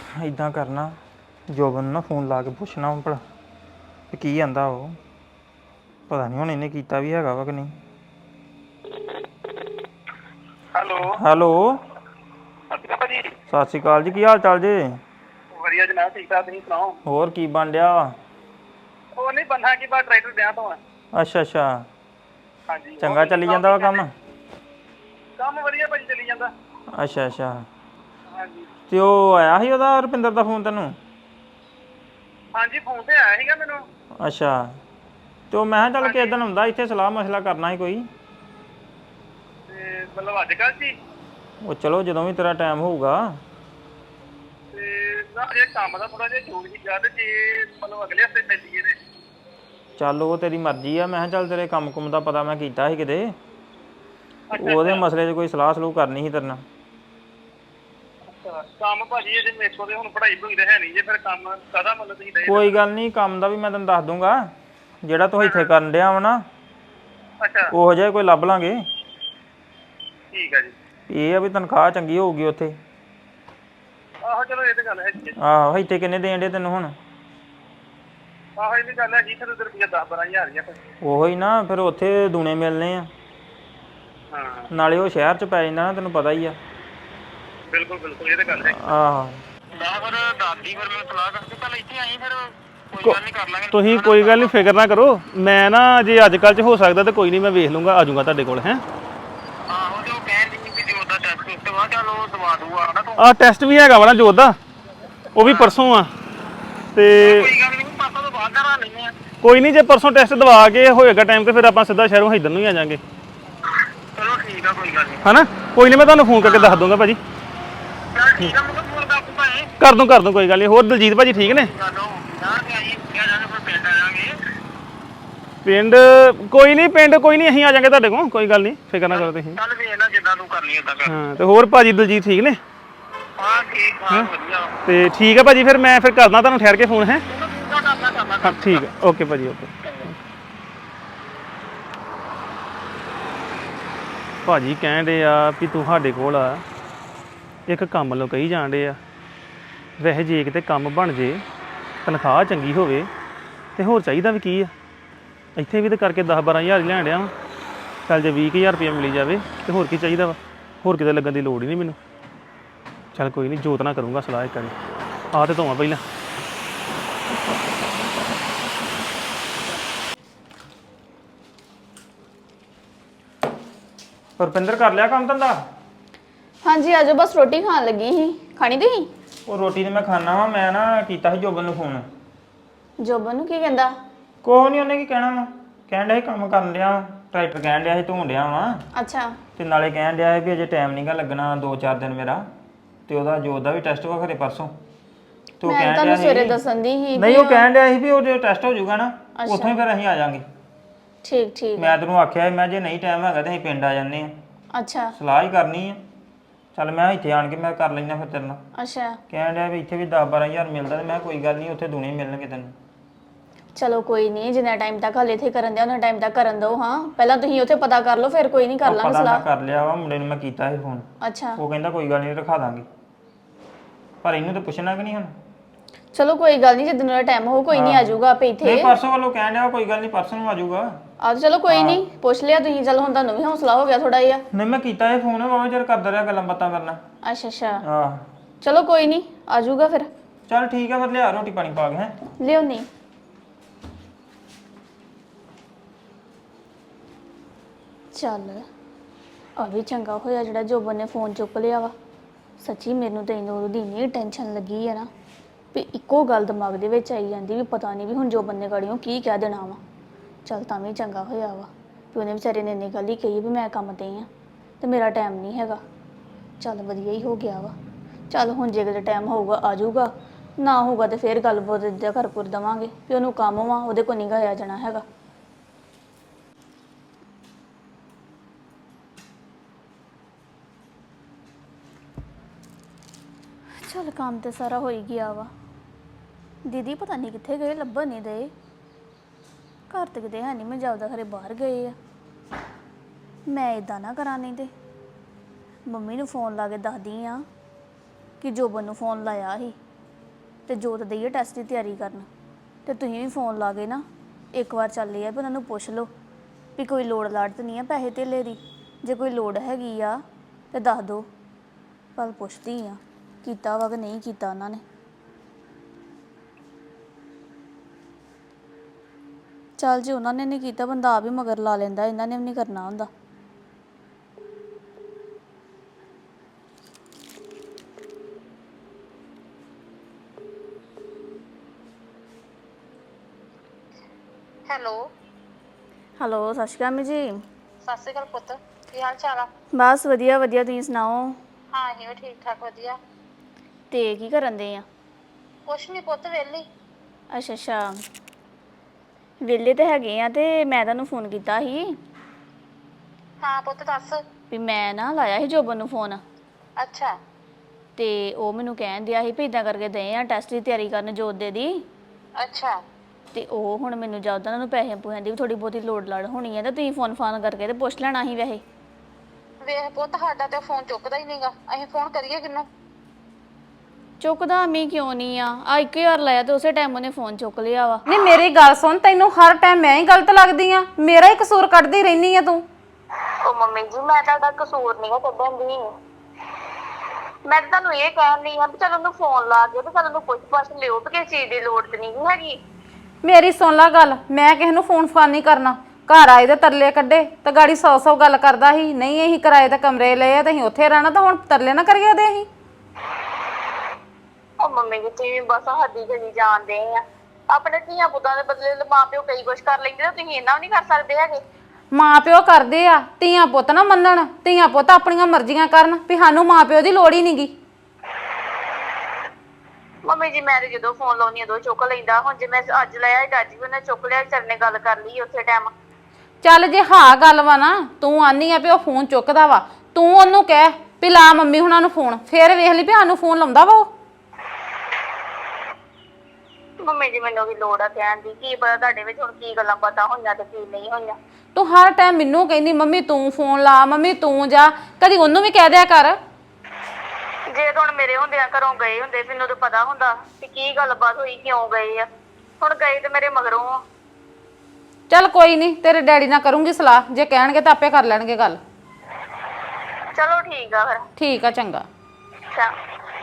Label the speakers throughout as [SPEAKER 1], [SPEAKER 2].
[SPEAKER 1] ਇਦਾਂ ਕਰਨਾ ਜੋਬਨ ਨੂੰ ਨਾ ਫੋਨ ਲਾ ਕੇ ਪੁੱਛਣਾ ਭਲਾ ਵੀ ਕੀ ਆਂਦਾ ਉਹ। ਪਤਾ ਨਹੀਂ ਹੁਣ ਇਹਨੇ ਕੀਤਾ ਵੀ ਹੈਗਾ ਵਾ ਕਿ ਨਹੀਂ।
[SPEAKER 2] ਹੈਲੋ
[SPEAKER 1] ਹੈਲੋ
[SPEAKER 2] ਸਤਿ ਸ਼੍ਰੀ ਅਕਾਲ ਭਾਜੀ।
[SPEAKER 1] ਸਤਿ ਸ਼੍ਰੀ ਅਕਾਲ ਜੀ, ਕੀ ਹਾਲ ਚਾਲ ਜੇ?
[SPEAKER 2] ਵਧੀਆ ਜਨਾਬ, ਠੀਕ ਠਾਕ, ਤੁਸੀਂ ਸੁਣਾਓ?
[SPEAKER 1] ਹੋਰ ਕੀ ਬਣ ਡਿਆ ਵਾ?
[SPEAKER 2] ਉਹ ਨਹੀਂ ਬੰਨਾ ਕੀ ਬਸ ਟਰੈਕਟਰ ਦਿਆਂ ਤੋਂ ਆ।
[SPEAKER 1] ਅੱਛਾ ਅੱਛਾ,
[SPEAKER 2] ਹਾਂਜੀ, ਹੋਰ
[SPEAKER 1] ਚੰਗਾ
[SPEAKER 2] ਤੁਸੀਂ
[SPEAKER 1] ਚੱਲੀ
[SPEAKER 2] ਸੁਣਾਓ
[SPEAKER 1] ਜਾਂਦਾ
[SPEAKER 2] ਕੀ
[SPEAKER 1] ਵਾ
[SPEAKER 2] ਕਰਦੇ?
[SPEAKER 1] ਕੰਮ?
[SPEAKER 2] ਕੰਮ ਵਧੀਆ ਭਾਜੀ ਚੱਲੀ ਜਾਂਦਾ।
[SPEAKER 1] ਅੱਛਾ ਅੱਛਾ,
[SPEAKER 2] ਹਾਂਜੀ
[SPEAKER 1] ਤੇ ਉਹ ਆਇਆ ਸੀ ਉਹਦਾ ਰੁਪਿੰਦਰ ਦਾ ਫੋਨ ਤੈਨੂੰ?
[SPEAKER 2] ਹਾਂਜੀ, ਫੋਨ ਤੇ ਆਇਆ ਸੀਗਾ ਮੈਨੂੰ।
[SPEAKER 1] ਅੱਛਾ, ਤੇ ਉਹ ਮੈਂ ਕਿਹਾ ਚੱਲ ਕਿਸੇ
[SPEAKER 2] ਹਾਂਜੀ
[SPEAKER 1] ਦਿਨ ਹੁੰਦਾ ਇੱਥੇ ਸਲਾਹ ਮਸਲਾ ਕਰਨਾ ਸੀ ਕੋਈ।
[SPEAKER 2] ਤੇ ਮਤਲਬ ਅੱਜ ਕੱਲ੍ਹ ਜੀ?
[SPEAKER 1] ਉਹ ਚਲੋ ਜਦੋਂ ਵੀ ਤੇਰਾ ਟਾਈਮ ਹੋਊਗਾ।
[SPEAKER 2] ਤੇ ਨਾ ਜੇ ਕੰਮ ਦਾ ਥੋੜਾ ਜਿਹਾ ਜ਼ਰੂਰੀ ਸੀਗਾ ਤੇ ਜੇ ਮਤਲਬ ਅਗਲੇ ਹਫ਼ਤੇ ਚੱਲੀਏ ਤੇ?
[SPEAKER 1] ਚੱਲ ਉਹ ਤੇਰੀ ਮਰਜ਼ੀ ਆ। ਮੈਂ ਕਿਹਾ ਚੱਲ ਤੇਰੇ ਕੰਮ ਕੁਮ ਦਾ ਪਤਾ ਮੈਂ ਕੀਤਾ ਸੀ ਕਿਤੇ,
[SPEAKER 2] ਅੱਛਾ
[SPEAKER 1] ਉਹਦੇ
[SPEAKER 2] ਅੱਛਾ
[SPEAKER 1] ਮਸਲੇ 'ਚ ਕੋਈ ਸਲਾਹ ਸਲੂਹ ਕਰਨੀ ਸੀ ਤੇਰੇ ਨਾਲ।
[SPEAKER 2] ਅੱਛਾ, ਕੰਮ ਭਾਜੀ ਇਹਦੇ ਮੇਰੇ ਕੋਲ ਤੇ ਹੁਣ ਪੜ੍ਹਾਈ ਪੜੂਈ ਤਾਂ ਹੈ ਨਹੀਂ ਜੇ, ਫਿਰ ਕੰਮ ਕਾਹਦਾ ਮਤਲਬ ਤੁਸੀਂ ਡਏ
[SPEAKER 1] ਕੋਈ
[SPEAKER 2] ਦੱਸਣ?
[SPEAKER 1] ਗੱਲ ਨਹੀਂ, ਕੰਮ ਦਾ ਵੀ ਮੈਂ ਤੈਨੂੰ ਦੱਸ ਦੂੰਗਾ। ਜਿਹੜਾ ਤੂੰ
[SPEAKER 2] ਹਾਂ
[SPEAKER 1] ਇੱਥੇ
[SPEAKER 2] ਹਾਂ
[SPEAKER 1] ਕਰਨ ਡਿਆ ਵਾ ਨਾ,
[SPEAKER 2] ਅੱਛਾ
[SPEAKER 1] ਉਹੋ ਜਿਹਾ ਕੋਈ ਲੱਭ ਲਾਂਗੇ।
[SPEAKER 2] ਠੀਕ ਆ ਜੀ।
[SPEAKER 1] ਇਹ ਆ ਵੀ ਤਨਖਾਹ ਚੰਗੀ ਹੋਊਗੀ ਉੱਥੇ।
[SPEAKER 2] ਆਹੋ ਚਲੋ ਇਹ ਤਾਂ ਗੱਲ ਹੈਗੀ ਹੈ ਜੀ।
[SPEAKER 1] ਆਹੋ, ਇੱਥੇ ਕਿੰਨੇ ਦੇਣ ਡੇ ਤੈਨੂੰ ਹੁਣ?
[SPEAKER 2] ਆਹੋ ਇਹ ਵੀ ਗੱਲ ਹੈਗੀ, ਫਿਰ ਰੁਪਈਆ 10-12 ਹਜ਼ਾਰ ਹੀ ਆ ਫਿਰ।
[SPEAKER 1] ਉਹੀ ਹੀ ਨਾ, ਫਿਰ ਉੱਥੇ ਦੂਣੇ ਮਿਲਣੇ ਆ।
[SPEAKER 2] ਹਾਂ
[SPEAKER 1] ਨਾਲੇ ਉਹ ਸ਼ਹਿਰ 'ਚ ਪੈ ਜਾਂਦਾ ਨਾ, ਤੈਨੂੰ ਪਤਾ ਹੀ ਆ।
[SPEAKER 2] ਬਿਲਕੁਲ ਬਿਲਕੁਲ, ਇਹ ਤਾਂ ਗੱਲ ਹੈਗੀ।
[SPEAKER 1] ਆਹੋ,
[SPEAKER 2] ਮੈਂ ਫਿਰ ਦਾਦੀ ਫਿਰ ਮੈਨੂੰ ਸਲਾਹ ਕਰਕੇ ਚੱਲ ਇੱਥੇ ਆਈ, ਫਿਰ ਕੋਈ ਗੱਲ ਨਹੀਂ ਕਰ ਲਾਂਗੇ
[SPEAKER 3] ਤੁਸੀਂ
[SPEAKER 2] ਹਨਾ
[SPEAKER 3] ਕੋਈ ਗੱਲ ਨਹੀਂ
[SPEAKER 2] ਗੱਲਬਾਤ।
[SPEAKER 3] ਫਿਕਰ ਨਾ ਕਰੋ। ਮੈਂ ਨਾ ਜੇ ਅੱਜ ਕੱਲ੍ਹ 'ਚ ਹੋ ਸਕਦਾ ਤਾਂ ਕੋਈ ਨਹੀਂ, ਮੈਂ ਵੇਖ ਲੂੰਗਾ, ਆ ਜਾਊਂਗਾ ਤੁਹਾਡੇ ਕੋਲ। ਹੈਂ?
[SPEAKER 2] ਆਹੋ ਤੇ ਉਹ ਕਹਿਣ ਦੀ ਵੀ ਜੋ ਦਾ ਟੈਸਟ ਟੁਸਟ ਵਾ ਚੱਲ ਉਹ ਦਵਾ ਦੂਗਾ ਨਾ ਤੂੰ।
[SPEAKER 3] ਆਹ ਟੈਸਟ ਵੀ ਹੈਗਾ ਵਾ ਨਾ ਜੋਤ ਦਾ, ਉਹ ਵੀ ਪਰਸੋਂ ਆ। ਤੇ
[SPEAKER 2] ਚਲ ਕੋਈ ਗੱਲ ਨਹੀਂ, ਪਾਪਾ ਤੋਂ ਬਾਅਦ ਕਰਾ ਲੈਂਦੇ ਆ।
[SPEAKER 3] ਕੋਈ ਨਹੀਂ, ਜੇ ਪਰਸੋਂ ਟੈਸਟ ਦਵਾ ਕੇ ਹੋਏਗਾ ਟਾਈਮ ਤੇ ਫਿਰ ਆਪਾਂ ਸਿੱਧਾ ਸ਼ਹਿਰੋਂ ਇੱਧਰ ਨੂੰ ਹੀ ਆ ਜਾਵਾਂਗੇ।
[SPEAKER 2] ਚਲੋ ਠੀਕ ਆ, ਕੋਈ ਗੱਲ ਨਹੀਂ।
[SPEAKER 3] ਹੈ ਨਾ? ਕੋਈ ਨਹੀਂ, ਮੈਂ ਤੁਹਾਨੂੰ ਫੋਨ ਕਰਕੇ ਦੱਸ ਦੂੰਗਾ ਭਾਜੀ।
[SPEAKER 2] ਚਲ ਠੀਕ ਆ, ਮੈਨੂੰ ਫੋਨ ਕਰ ਦੂੰ ਭਾਵੇਂ।
[SPEAKER 3] ਕਰ ਦੂੰ ਕੋਈ ਗੱਲ ਨਹੀਂ। ਹੋਰ ਦਲਜੀਤ ਭਾਜੀ ਠੀਕ ਨੇ?
[SPEAKER 2] ਗੱਲ ਹੋਊਗੀ ਨਾ ਤੇ ਅਸੀਂ ਕਿਹਾ ਜਾਣਾ ਫਿਰ ਪਿੰਡ ਆ ਜਾਵਾਂਗੇ।
[SPEAKER 3] ਪਿੰਡ ਕੋਈ ਨਹੀਂ, ਪਿੰਡ ਕੋਈ ਨਹੀਂ, ਅਸੀਂ ਆ ਜਾਵਾਂਗੇ ਤੁਹਾਡੇ ਕੋਲ। ਕੋਈ ਗੱਲ ਨਹੀਂ, ਫਿਕਰ ਨਾ ਕਰੋ ਤੁਸੀਂ।
[SPEAKER 2] ਚੱਲ ਵੇਖ ਲੈ ਜਿੱਦਾਂ ਤੂੰ ਕਰਨੀ ਓਦਾਂ ਕਰ।
[SPEAKER 3] ਹਾਂ, ਤੇ ਹੋਰ ਭਾਜੀ ਦਲਜੀਤ ਠੀਕ ਨੇ?
[SPEAKER 2] ਹਾਂ ਠੀਕ ਠਾਕ ਵਧੀਆ।
[SPEAKER 3] ਤੇ ਠੀਕ ਹੈ ਭਾਜੀ, ਫਿਰ ਮੈਂ ਫਿਰ ਕਰਦਾ ਤੁਹਾਨੂੰ ਠਹਿਰ ਕੇ ਫੋਨ। ਹੈ?
[SPEAKER 2] ਕਰਨਾ
[SPEAKER 3] ਹਾਂ ਠੀਕ ਹੈ, ਓਕੇ ਭਾਜੀ, ਓਕੇ। ਭਾਜੀ ਕਹਿਣ ਡੇ ਆ ਵੀ ਤੂੰ ਸਾਡੇ ਕੋਲ ਆ, ਇੱਕ ਕੰਮ ਲੋ ਕਹੀ ਜਾਣ ਡੇ ਆ। ਵੈਸੇ ਜੇ ਕਿਤੇ ਕੰਮ ਬਣ ਜੇ, ਤਨਖਾਹ ਚੰਗੀ ਹੋਵੇ, ਤੇ ਹੋਰ ਚਾਹੀਦਾ ਵੀ ਕੀ ਆ। ਇੱਥੇ ਵੀ ਤਾਂ ਕਰਕੇ 10-12 ਹਜ਼ਾਰ ਹੀ ਲੈਣ ਡਿਆ ਵਾ। ਚੱਲ ਜੇ 20,000 ਰੁਪਇਆ ਮਿਲੀ ਜਾਵੇ ਤੇ ਹੋਰ ਕੀ ਚਾਹੀਦਾ ਵਾ। ਹੋਰ ਕਿਤੇ ਲੱਗਣ ਦੀ ਲੋੜ ਹੀ ਨਹੀਂ ਮੈਨੂੰ। ਚੱਲ ਕੋਈ ਨਹੀਂ, ਜੋਤ ਨਾਲ ਕਰੂੰਗਾ ਸਲਾਹ ਇੱਕ ਵਾਰੀ। ਆ ਤੇ ਧੋਵਾਂ ਪਹਿਲਾਂ।
[SPEAKER 1] ਰੁਪਿੰਦਰ ਕਰ ਲਿਆ ਕੰਮ ਧੰਦਾ?
[SPEAKER 4] ਹਾਂਜੀ ਆਜੋ, ਬਸ ਰੋਟੀ ਖਾਣ ਲੱਗੀ ਸੀ। ਖਾਣੀ ਤੁਸੀਂ?
[SPEAKER 1] ਉਹ ਰੋਟੀ ਤੇ ਮੈਂ ਖਾਣਾ ਵਾ। ਮੈਂ ਨਾ ਕੀਤਾ ਸੀ ਜੋਬਨ ਨੂੰ ਫੋਨ।
[SPEAKER 4] ਜੋਬਨ ਨੂੰ ਕੀ ਕਹਿੰਦਾ?
[SPEAKER 1] ਕੋਈ ਨਹੀਂ, ਉਹਨੇ ਕੀ ਕਹਿਣਾ ਵਾ। ਕਹਿਣ ਡਿਆ ਸੀ ਕੰਮ ਕਰਨ ਡਿਆ ਵਾ, ਟਰੈਕਟਰ ਕਹਿਣ ਡਿਆ ਸੀ ਧੋਣ ਡਿਆ ਵਾ।
[SPEAKER 4] ਅੱਛਾ,
[SPEAKER 1] ਤੇ ਨਾਲੇ ਕਹਿਣ ਡਿਆ ਸੀ ਵੀ ਅਜੇ ਟਾਈਮ ਨਹੀਂਗਾ ਲੱਗਣਾ 2-4 ਦਿਨ ਮੇਰਾ। ਤੇ ਉਹਦਾ ਜੋਤ ਦਾ ਵੀ ਟੈਸਟ ਵਾ ਖਰੇ ਪਰਸੋਂ। ਤੇ ਉਹ
[SPEAKER 4] ਮੈਂ
[SPEAKER 1] ਕਹਿਣ
[SPEAKER 4] ਤੁਹਾਨੂੰ
[SPEAKER 1] ਡਿਆ
[SPEAKER 4] ਸਵੇਰੇ
[SPEAKER 1] ਸੀ
[SPEAKER 4] ਦੱਸਣ ਦੀ ਸੀ
[SPEAKER 1] ਨਹੀਂ, ਉਹ ਕਹਿਣ ਡਿਆ ਸੀ ਵੀ ਉਹ ਜੋ ਟੈਸਟ ਹੋ ਜਾਊਗਾ ਨਾ, ਉੱਥੋਂ ਹੀ ਫਿਰ ਅਸੀਂ ਆ ਜਾਵਾਂਗੇ।
[SPEAKER 4] ਠੀਕ ਠੀਕ
[SPEAKER 1] ਮੈਂ ਤੈਨੂੰ ਆਖਿਆ ਸੀ, ਮੈਂ ਜੇ ਨਹੀਂ ਟਾਈਮ ਹੈਗਾ ਤੇ ਅਸੀਂ ਪਿੰਡ ਆ ਜਾਂਦੇ ਆ।
[SPEAKER 4] ਅੱਛਾ
[SPEAKER 1] ਸਲਾਹ ਹੀ ਕਰਨੀ ਆ। ਚੱਲ ਮੈਂ ਇੱਥੇ ਆਣ ਕੇ ਮੈਂ ਕਰ ਲੈਂਦਾ ਫਿਰ ਤੇਰੇ ਨਾਲ।
[SPEAKER 4] ਅੱਛਾ,
[SPEAKER 1] ਕਹਿਣ ਡਿਆ ਵੀ ਇੱਥੇ ਵੀ 10-12 ਹਜ਼ਾਰ ਮਿਲਦਾ, ਤੇ ਮੈਂ ਕੋਈ ਗੱਲ ਨਹੀਂ, ਉੱਥੇ ਦੁਨੇ ਮਿਲਣਗੇ ਤੈਨੂੰ।
[SPEAKER 4] ਚਲੋ ਕੋਈ ਨਹੀਂ, ਜਿੰਨਾ ਟਾਈਮ ਤੱਕ ਹਲੇ ਇੱਥੇ ਕਰਨ ਦਿਆ ਉਹਨਾਂ ਟਾਈਮ ਤੱਕ ਕਰਨ ਦਿਓ। ਹਾਂ, ਪਹਿਲਾਂ ਤੁਸੀਂ ਉੱਥੇ ਪਤਾ ਕਰ ਲਓ, ਫਿਰ ਕੋਈ ਨਹੀਂ ਕਰ
[SPEAKER 1] ਉਹ
[SPEAKER 4] ਲਾਂਗੇ
[SPEAKER 1] ਪਤਾ ਮੈਂ
[SPEAKER 4] ਸਲਾਹ।
[SPEAKER 1] ਕਰ ਲਿਆ ਵਾ, ਮੁੰਡੇ ਨੂੰ ਮੈਂ ਕੀਤਾ ਸੀ ਫੋਨ।
[SPEAKER 4] ਅੱਛਾ,
[SPEAKER 1] ਉਹ ਕਹਿੰਦਾ ਕੋਈ ਗੱਲ ਨਹੀਂ, ਰਖਾ ਦਾਂਗੇ। ਪਰ ਇਹਨੂੰ ਤਾਂ ਪੁੱਛਣਾ ਕਿ ਨਹੀਂ ਹੁਣ?
[SPEAKER 4] ਚਲੋ ਕੋਈ ਗੱਲ ਨਹੀਂ, ਜਿੱਦਣ ਦਾ ਟਾਈਮ ਹੋ ਕੋਈ ਨਹੀਂ ਆ ਜਾਊਗਾ ਆਪੇ ਇੱਥੇ।
[SPEAKER 1] ਨਹੀਂ, ਪਰਸੋਂ ਵੱਲੋਂ ਕਹਿਣ ਡਿਆ ਕੋਈ ਗੱਲ ਨਹੀਂ, ਪਰਸੋਂ ਨੂੰ ਆ ਜਾਊਗਾ।
[SPEAKER 4] ਆ ਚਲੋ ਕੋਈ ਨਹੀਂ, ਪੁੱਛ ਲਿਆ ਤੁਸੀਂ। ਚਲੋ ਹੁਣ ਤੁਹਾਨੂੰ ਵੀ ਹੌਸਲਾ ਹੋ ਗਿਆ ਥੋੜਾ ਜਿਹਾ।
[SPEAKER 1] ਨਹੀਂ, ਮੈਂ ਕੀਤਾ ਇਹ ਫੋਨ ਬਾਬਾ ਚਿਰ ਕਰਦਾ ਰਿਹਾ ਗੱਲਾਂ ਬਾਤਾਂ ਕਰਨਾ।
[SPEAKER 4] ਅੱਛਾ ਅੱਛਾ,
[SPEAKER 1] ਆਹ
[SPEAKER 4] ਚਲੋ ਕੋਈ ਨਹੀਂ, ਆ ਜਾਊਗਾ ਫਿਰ।
[SPEAKER 1] ਚੱਲ ਠੀਕ ਆ, ਫਿਰ ਲਿਆ ਰੋਟੀ ਪਾਣੀ ਪਾ ਕੇ। ਹੈ
[SPEAKER 4] ਲਿਆਉਣੀ। ਚੱਲ ਆ ਵੀ ਚੰਗਾ ਹੋਇਆ ਜਿਹੜਾ ਜੋਬਨ ਨੇ ਫੋਨ ਚੁੱਕ ਲਿਆ ਵਾ। ਸੱਚੀ ਮੈਨੂੰ ਤਾਂ ਉਹਦੀ ਇੰਨੀ ਟੈਨਸ਼ਨ ਲੱਗੀ ਹੈ ਨਾ, ਵੀ ਇੱਕੋ ਗੱਲ ਦਿਮਾਗ ਦੇ ਵਿੱਚ ਆਈ ਜਾਂਦੀ ਵੀ ਪਤਾ ਨਹੀਂ ਵੀ ਹੁਣ ਜੋਬਨ ਨੇ ਗਾੜੀਆਂ ਕੀ ਕਹਿ ਦੇਣਾ ਵਾ। ਚੱਲ ਤਾਂ ਵੀ ਚੰਗਾ ਹੋਇਆ ਵਾ ਵੀ ਉਹਨੇ ਵਿਚਾਰੇ ਨੇ ਇੰਨੀ ਗੱਲ ਹੀ ਕਹੀ ਵੀ ਮੈਂ ਕੰਮ 'ਤੇ ਹਾਂ ਅਤੇ ਮੇਰਾ ਟਾਈਮ ਨਹੀਂ ਹੈਗਾ। ਚੱਲ ਵਧੀਆ ਹੀ ਹੋ ਗਿਆ ਵਾ। ਚੱਲ ਹੁਣ ਜੇ ਕਿਤੇ ਟਾਈਮ ਹੋਊਗਾ ਆ ਜਾਊਗਾ, ਨਾ ਹੋਊਗਾ ਤਾਂ ਫਿਰ ਗੱਲਬਾਤ ਇੱਦਾਂ ਕਰ ਪੁਰ ਦੇਵਾਂਗੇ ਵੀ ਉਹਨੂੰ ਕੰਮ ਵਾ, ਉਹਦੇ ਕੋਲ ਨਹੀਂ ਗਾਇਆ ਜਾਣਾ ਹੈਗਾ। ਚੱਲ ਕੰਮ ਤੇ ਸਾਰਾ ਹੋ ਹੀ ਗਿਆ ਵਾ। ਦੀਦੀ ਪਤਾ ਨਹੀਂ ਕਿੱਥੇ ਗਏ, ਲੱਭਣ ਨਹੀਂ ਦੇ। ਘਰ ਤੇ ਕਿਤੇ ਹੈ ਨਹੀਂ, ਮੈਂ ਜਾਪਦਾ ਖਰੇ ਬਾਹਰ ਗਏ ਆ। ਮੈਂ ਇਦਾਂ ਨਾ ਕਰਾਂ, ਨਹੀਂ ਤੇ ਮੰਮੀ ਨੂੰ ਫੋਨ ਲਾ ਕੇ ਦੱਸਦੀ ਆ ਕਿ ਜੋਬਨ ਨੂੰ ਫੋਨ ਲਾਇਆ ਸੀ ਤੇ ਜੋਤ ਦਈਏ ਟੈਸਟ ਦੀ ਤਿਆਰੀ ਕਰਨ। ਤੇ ਤੁਸੀਂ ਵੀ ਫੋਨ ਲਾ ਕੇ ਨਾ ਇੱਕ ਵਾਰ ਚੱਲੇ ਆ ਵੀ ਉਹਨਾਂ ਨੂੰ ਪੁੱਛ ਲਓ ਵੀ ਕੋਈ ਲੋੜ ਲਾੜ ਤਾਂ ਨਹੀਂ ਆ ਪੈਸੇ ਧੇਲੇ ਦੀ। ਜੇ ਕੋਈ ਲੋੜ ਹੈਗੀ ਆ ਤੇ ਦੱਸ ਦਿਓ। ਪਰ ਪੁੱਛਦੀ ਆ ਕੀਤਾ ਵਾ ਕਿ ਨਹੀਂ ਕੀਤਾ ਉਹਨਾਂ ਨੇ। ਚੱਲ ਜੇ ਉਹਨਾਂ ਨੇ ਨਹੀਂ ਕੀਤਾ ਬੰਦਾ ਆਪ ਹੀ ਮਗਰ ਲਾ ਲੈਂਦਾ, ਇਹਨਾਂ ਨੇ ਵੀ ਨਹੀਂ ਕਰਨਾ ਹੁੰਦਾ।
[SPEAKER 5] ਹੈਲੋ
[SPEAKER 4] ਹੈਲੋ, ਸਤਿ ਸ਼੍ਰੀ ਅਕਾਲ ਅੰਮੀ ਜੀ।
[SPEAKER 5] ਸਤਿ ਸ਼੍ਰੀ ਅਕਾਲ ਪੁੱਤ, ਕੀ ਹਾਲ ਚਾਲ ਆ?
[SPEAKER 4] ਬਸ ਵਧੀਆ ਵਧੀਆ, ਤੁਸੀਂ ਸੁਣਾਓ?
[SPEAKER 5] ਹਾਂ ਅਸੀਂ ਵੀ ਠੀਕ ਠਾਕ ਵਧੀਆ।
[SPEAKER 4] ਤੇ ਕੀ ਕਰਨ ਦੇ ਆ?
[SPEAKER 5] ਕੁਛ ਨਹੀਂ ਪੁੱਤ, ਵਿਹਲੀ।
[SPEAKER 4] ਅੱਛਾ ਅੱਛਾ, ਵਿਹਲੇ ਤੇ ਹੈਗੇ ਆ। ਤੇ ਮੈਂ ਤੁਹਾਨੂੰ ਫੋਨ ਕੀਤਾ ਸੀ
[SPEAKER 5] ਹਾਂ ਪੁੱਤ ਦੱਸ।
[SPEAKER 4] ਵੀ ਮੈਂ ਨਾ ਲਾਇਆ ਸੀ ਜੋਬਨ ਨੂੰ ਫੋਨ।
[SPEAKER 5] ਅੱਛਾ
[SPEAKER 4] ਤੇ ਉਹ ਮੈਨੂੰ ਕਹਿਣ ਦਿਆ ਸੀ ਵੀ ਇਦਾਂ ਕਰਕੇ ਦਏ ਆ ਟੈਸਟ ਦੀ ਤਿਆਰੀ ਕਰਨ ਜੋਦੇ ਦੀ।
[SPEAKER 5] ਅੱਛਾ
[SPEAKER 4] ਤੇ ਉਹ ਹੁਣ ਮੈਨੂੰ ਜਿਆਦਾ ਉਹਨਾਂ ਨੂੰ ਪੈਸੇ ਪੂਸਿਆਂ ਦੀ ਵੀ ਥੋੜੀ ਬਹੁਤੀ ਲੋੜ ਲੜ ਹੋਣੀ ਆ ਤੇ ਤੁਸੀਂ ਫੋਨ ਕਰਕੇ ਤੇ ਪੁੱਛ ਲੈਣਾ ਸੀ ਵੈਸੇ।
[SPEAKER 5] ਵੇਖ ਪੁੱਤ, ਸਾਡਾ ਤੇ ਫੋਨ ਚੁੱਕਦਾ ਹੀ ਨਹੀਂਗਾ, ਅਸੀਂ ਫੋਨ ਕਰੀਏ ਕਿਹਨੂੰ?
[SPEAKER 4] ਚੁੱਕਦਾ ਮੀ ਕਿਉਂ ਨਹੀਂ ਆ ਇੱਕ ਹੀ ਵਾਰ ਲਾਇਆ ਤੇ ਉਸੇ ਟਾਈਮ ਉਹਨੇ ਫੋਨ ਚੁੱਕ ਲਿਆ ਵਾ।
[SPEAKER 6] ਨਹੀਂ ਮੇਰੀ ਗੱਲ ਸੁਣ, ਤੈਨੂੰ ਹਰ ਟਾਈਮ ਮੈਂ ਹੀ ਗਲਤ ਲੱਗਦੀ ਆ? ਮੇਰਾ ਹੀ ਕਸੂਰ ਕੱਢਦੀ ਰਹਿਨੀ ਆ ਤੂੰ।
[SPEAKER 5] ਉਹ ਮੰਮੀ ਜੀ, ਮੈਂ ਤੁਹਾਡਾ ਕਸੂਰ ਨਹੀਂਗਾ ਕੱਢਣ ਦੀ। ਮੈਂ ਤਾਂ ਤੁਹਾਨੂੰ ਇਹ ਕਹਿਣ ਲਈ ਆ ਵੀ ਚਲ ਉਹਨੂੰ ਫੋਨ ਲਾ ਕੇ ਤੇ ਚਲ ਉਹਨੂੰ ਪੁੱਛ ਲਿਓ ਵੀ ਕਿਸੇ ਚੀਜ਼ ਦੀ ਲੋੜ ਤੇ ਨਹੀਂ ਹੈਗੀ।
[SPEAKER 6] ਮੇਰੀ ਸੁਣ ਲਾ ਗੱਲ, ਮੈਂ ਕਿਸੇ ਨੂੰ ਫੋਨ ਫਾਨ ਨਹੀਂ ਕਰਨਾ। ਘਰ ਆਏ ਤੇ ਤਰਲੇ ਕੱਢੇ ਤੇ ਗਾੜੀ 100 ਗੱਲ ਕਰਦਾ ਸੀ। ਨਹੀਂ ਅਸੀਂ ਕਿਰਾਏ ਤੇ ਕਮਰੇ ਲਏ ਆ ਤੇ ਅਸੀਂ ਉੱਥੇ ਰਹਿਣਾ, ਤਾਂ ਹੁਣ ਤਰਲੇ ਨਾ ਕਰੀਏ ਉਹਦੇ ਅਸੀਂ।
[SPEAKER 5] ਉਹ ਮੰਮੀ ਜੀ, ਤੁਸੀਂ ਬਸ ਹੱਦੀ ਕਰੀ ਜਾਣਦੇ ਆ। ਆਪਣੇ ਧੀਆਂ ਪੁੱਤਾਂ ਦੇ ਬਦਲੇ ਮਾਂ ਪਿਓ ਕਈ ਕੁਛ ਕਰ ਲੈਂਦੇ ਤੇ ਤੁਸੀਂ ਇਹਨਾਂ ਵੀ ਨਹੀਂ ਕਰ ਸਕਦੇ ਹੈਗੇ।
[SPEAKER 6] ਮਾਂ ਪਿਓ ਕਰਦੇ ਆ, ਧੀਆਂ ਪੁੱਤ ਨਾ ਮੰਨਣ। ਧੀਆਂ ਪੁੱਤ ਆਪਣੀਆਂ ਮਰਜ਼ੀਆਂ ਕਰਨ ਵੀ ਸਾਨੂੰ ਮਾਂ ਪਿਓ ਦੀ ਲੋੜ ਹੀ ਨਹੀਂਗੀ।
[SPEAKER 5] ਮੰਮੀ ਜੀ, ਮੈਂ ਤੇ ਜਦੋਂ ਫੋਨ ਲਾਉਣੀ ਉਦੋਂ ਚੁੱਕ ਲੈਂਦਾ। ਹੁਣ ਜੇ ਮੈਂ ਅੱਜ ਲਾਇਆ ਅੱਜ ਵੀ ਉਹਨੇ ਚੁੱਕ ਲਿਆ, ਵਿਚਾਰੇ ਨੇ ਗੱਲ ਕਰ ਲਈ ਉਸੇ ਟਾਈਮ।
[SPEAKER 6] ਚੱਲ ਜੇ ਹਾਂ ਗੱਲ ਵਾ ਨਾ, ਤੂੰ ਆਨੀ ਆ ਵੀ ਉਹ ਫੋਨ ਚੁੱਕਦਾ ਵਾ, ਤੂੰ ਉਹਨੂੰ ਕਹਿ ਵੀ ਲਾ ਮੰਮੀ ਹੁਣਾਂ ਨੂੰ ਫੋਨ। ਫੇਰ ਵੇਖ ਲਈ ਵੀ ਸਾਨੂੰ ਫੋਨ ਲਾਉਂਦਾ ਵਾ ਉਹ।
[SPEAKER 5] ਮੰਮੀ ਜੀ, ਮੈਨੂੰ ਵੀ ਲੋੜ ਆ ਕਹਿਣ ਦੀ। ਕੀ ਪਤਾ ਤੁਹਾਡੇ ਵਿੱਚ ਹੁਣ ਕੀ ਗੱਲਾਂ ਪਤਾ ਹੋਈਆਂ ਤੇ ਕੀ ਨਹੀਂ ਹੋਈਆਂ।
[SPEAKER 6] ਤੂੰ ਹਰ ਟਾਈਮ ਮੈਨੂੰ ਕਹਿੰਦੀ ਮੰਮੀ ਤੂੰ ਫੋਨ ਲਾ, ਮੰਮੀ ਤੂੰ ਜਾ। ਕਦੀ ਉਹਨੂੰ ਵੀ ਕਹਿ ਦਿਆ ਕਰ।
[SPEAKER 5] ਜੇ ਤਾਂ ਹੁਣ ਮੇਰੇ ਹੁੰਦਿਆਂ ਘਰੋਂ ਗਏ ਹੁੰਦੇ, ਮੈਨੂੰ ਤਾਂ ਪਤਾ ਹੁੰਦਾ ਕਿ ਕੀ ਗੱਲਬਾਤ ਹੋਈ, ਕਿਉਂ ਗਏ ਆ। ਹੁਣ ਗਏ ਤੇ ਮੇਰੇ ਮਗਰੋਂ ਆ।
[SPEAKER 6] ਚੱਲ ਕੋਈ ਨਹੀਂ, ਤੇਰੇ ਡੈਡੀ ਨਾਲ ਕਰੂੰਗੀ ਸਲਾਹ, ਜੇ ਕਹਿਣਗੇ ਤਾਂ ਆਪੇ ਕਰ ਲੈਣਗੇ ਗੱਲ।
[SPEAKER 5] ਚਲੋ ਠੀਕ ਆ ਫਿਰ।
[SPEAKER 6] ਠੀਕ ਆ, ਚੰਗਾ।
[SPEAKER 5] ਅੱਛਾ,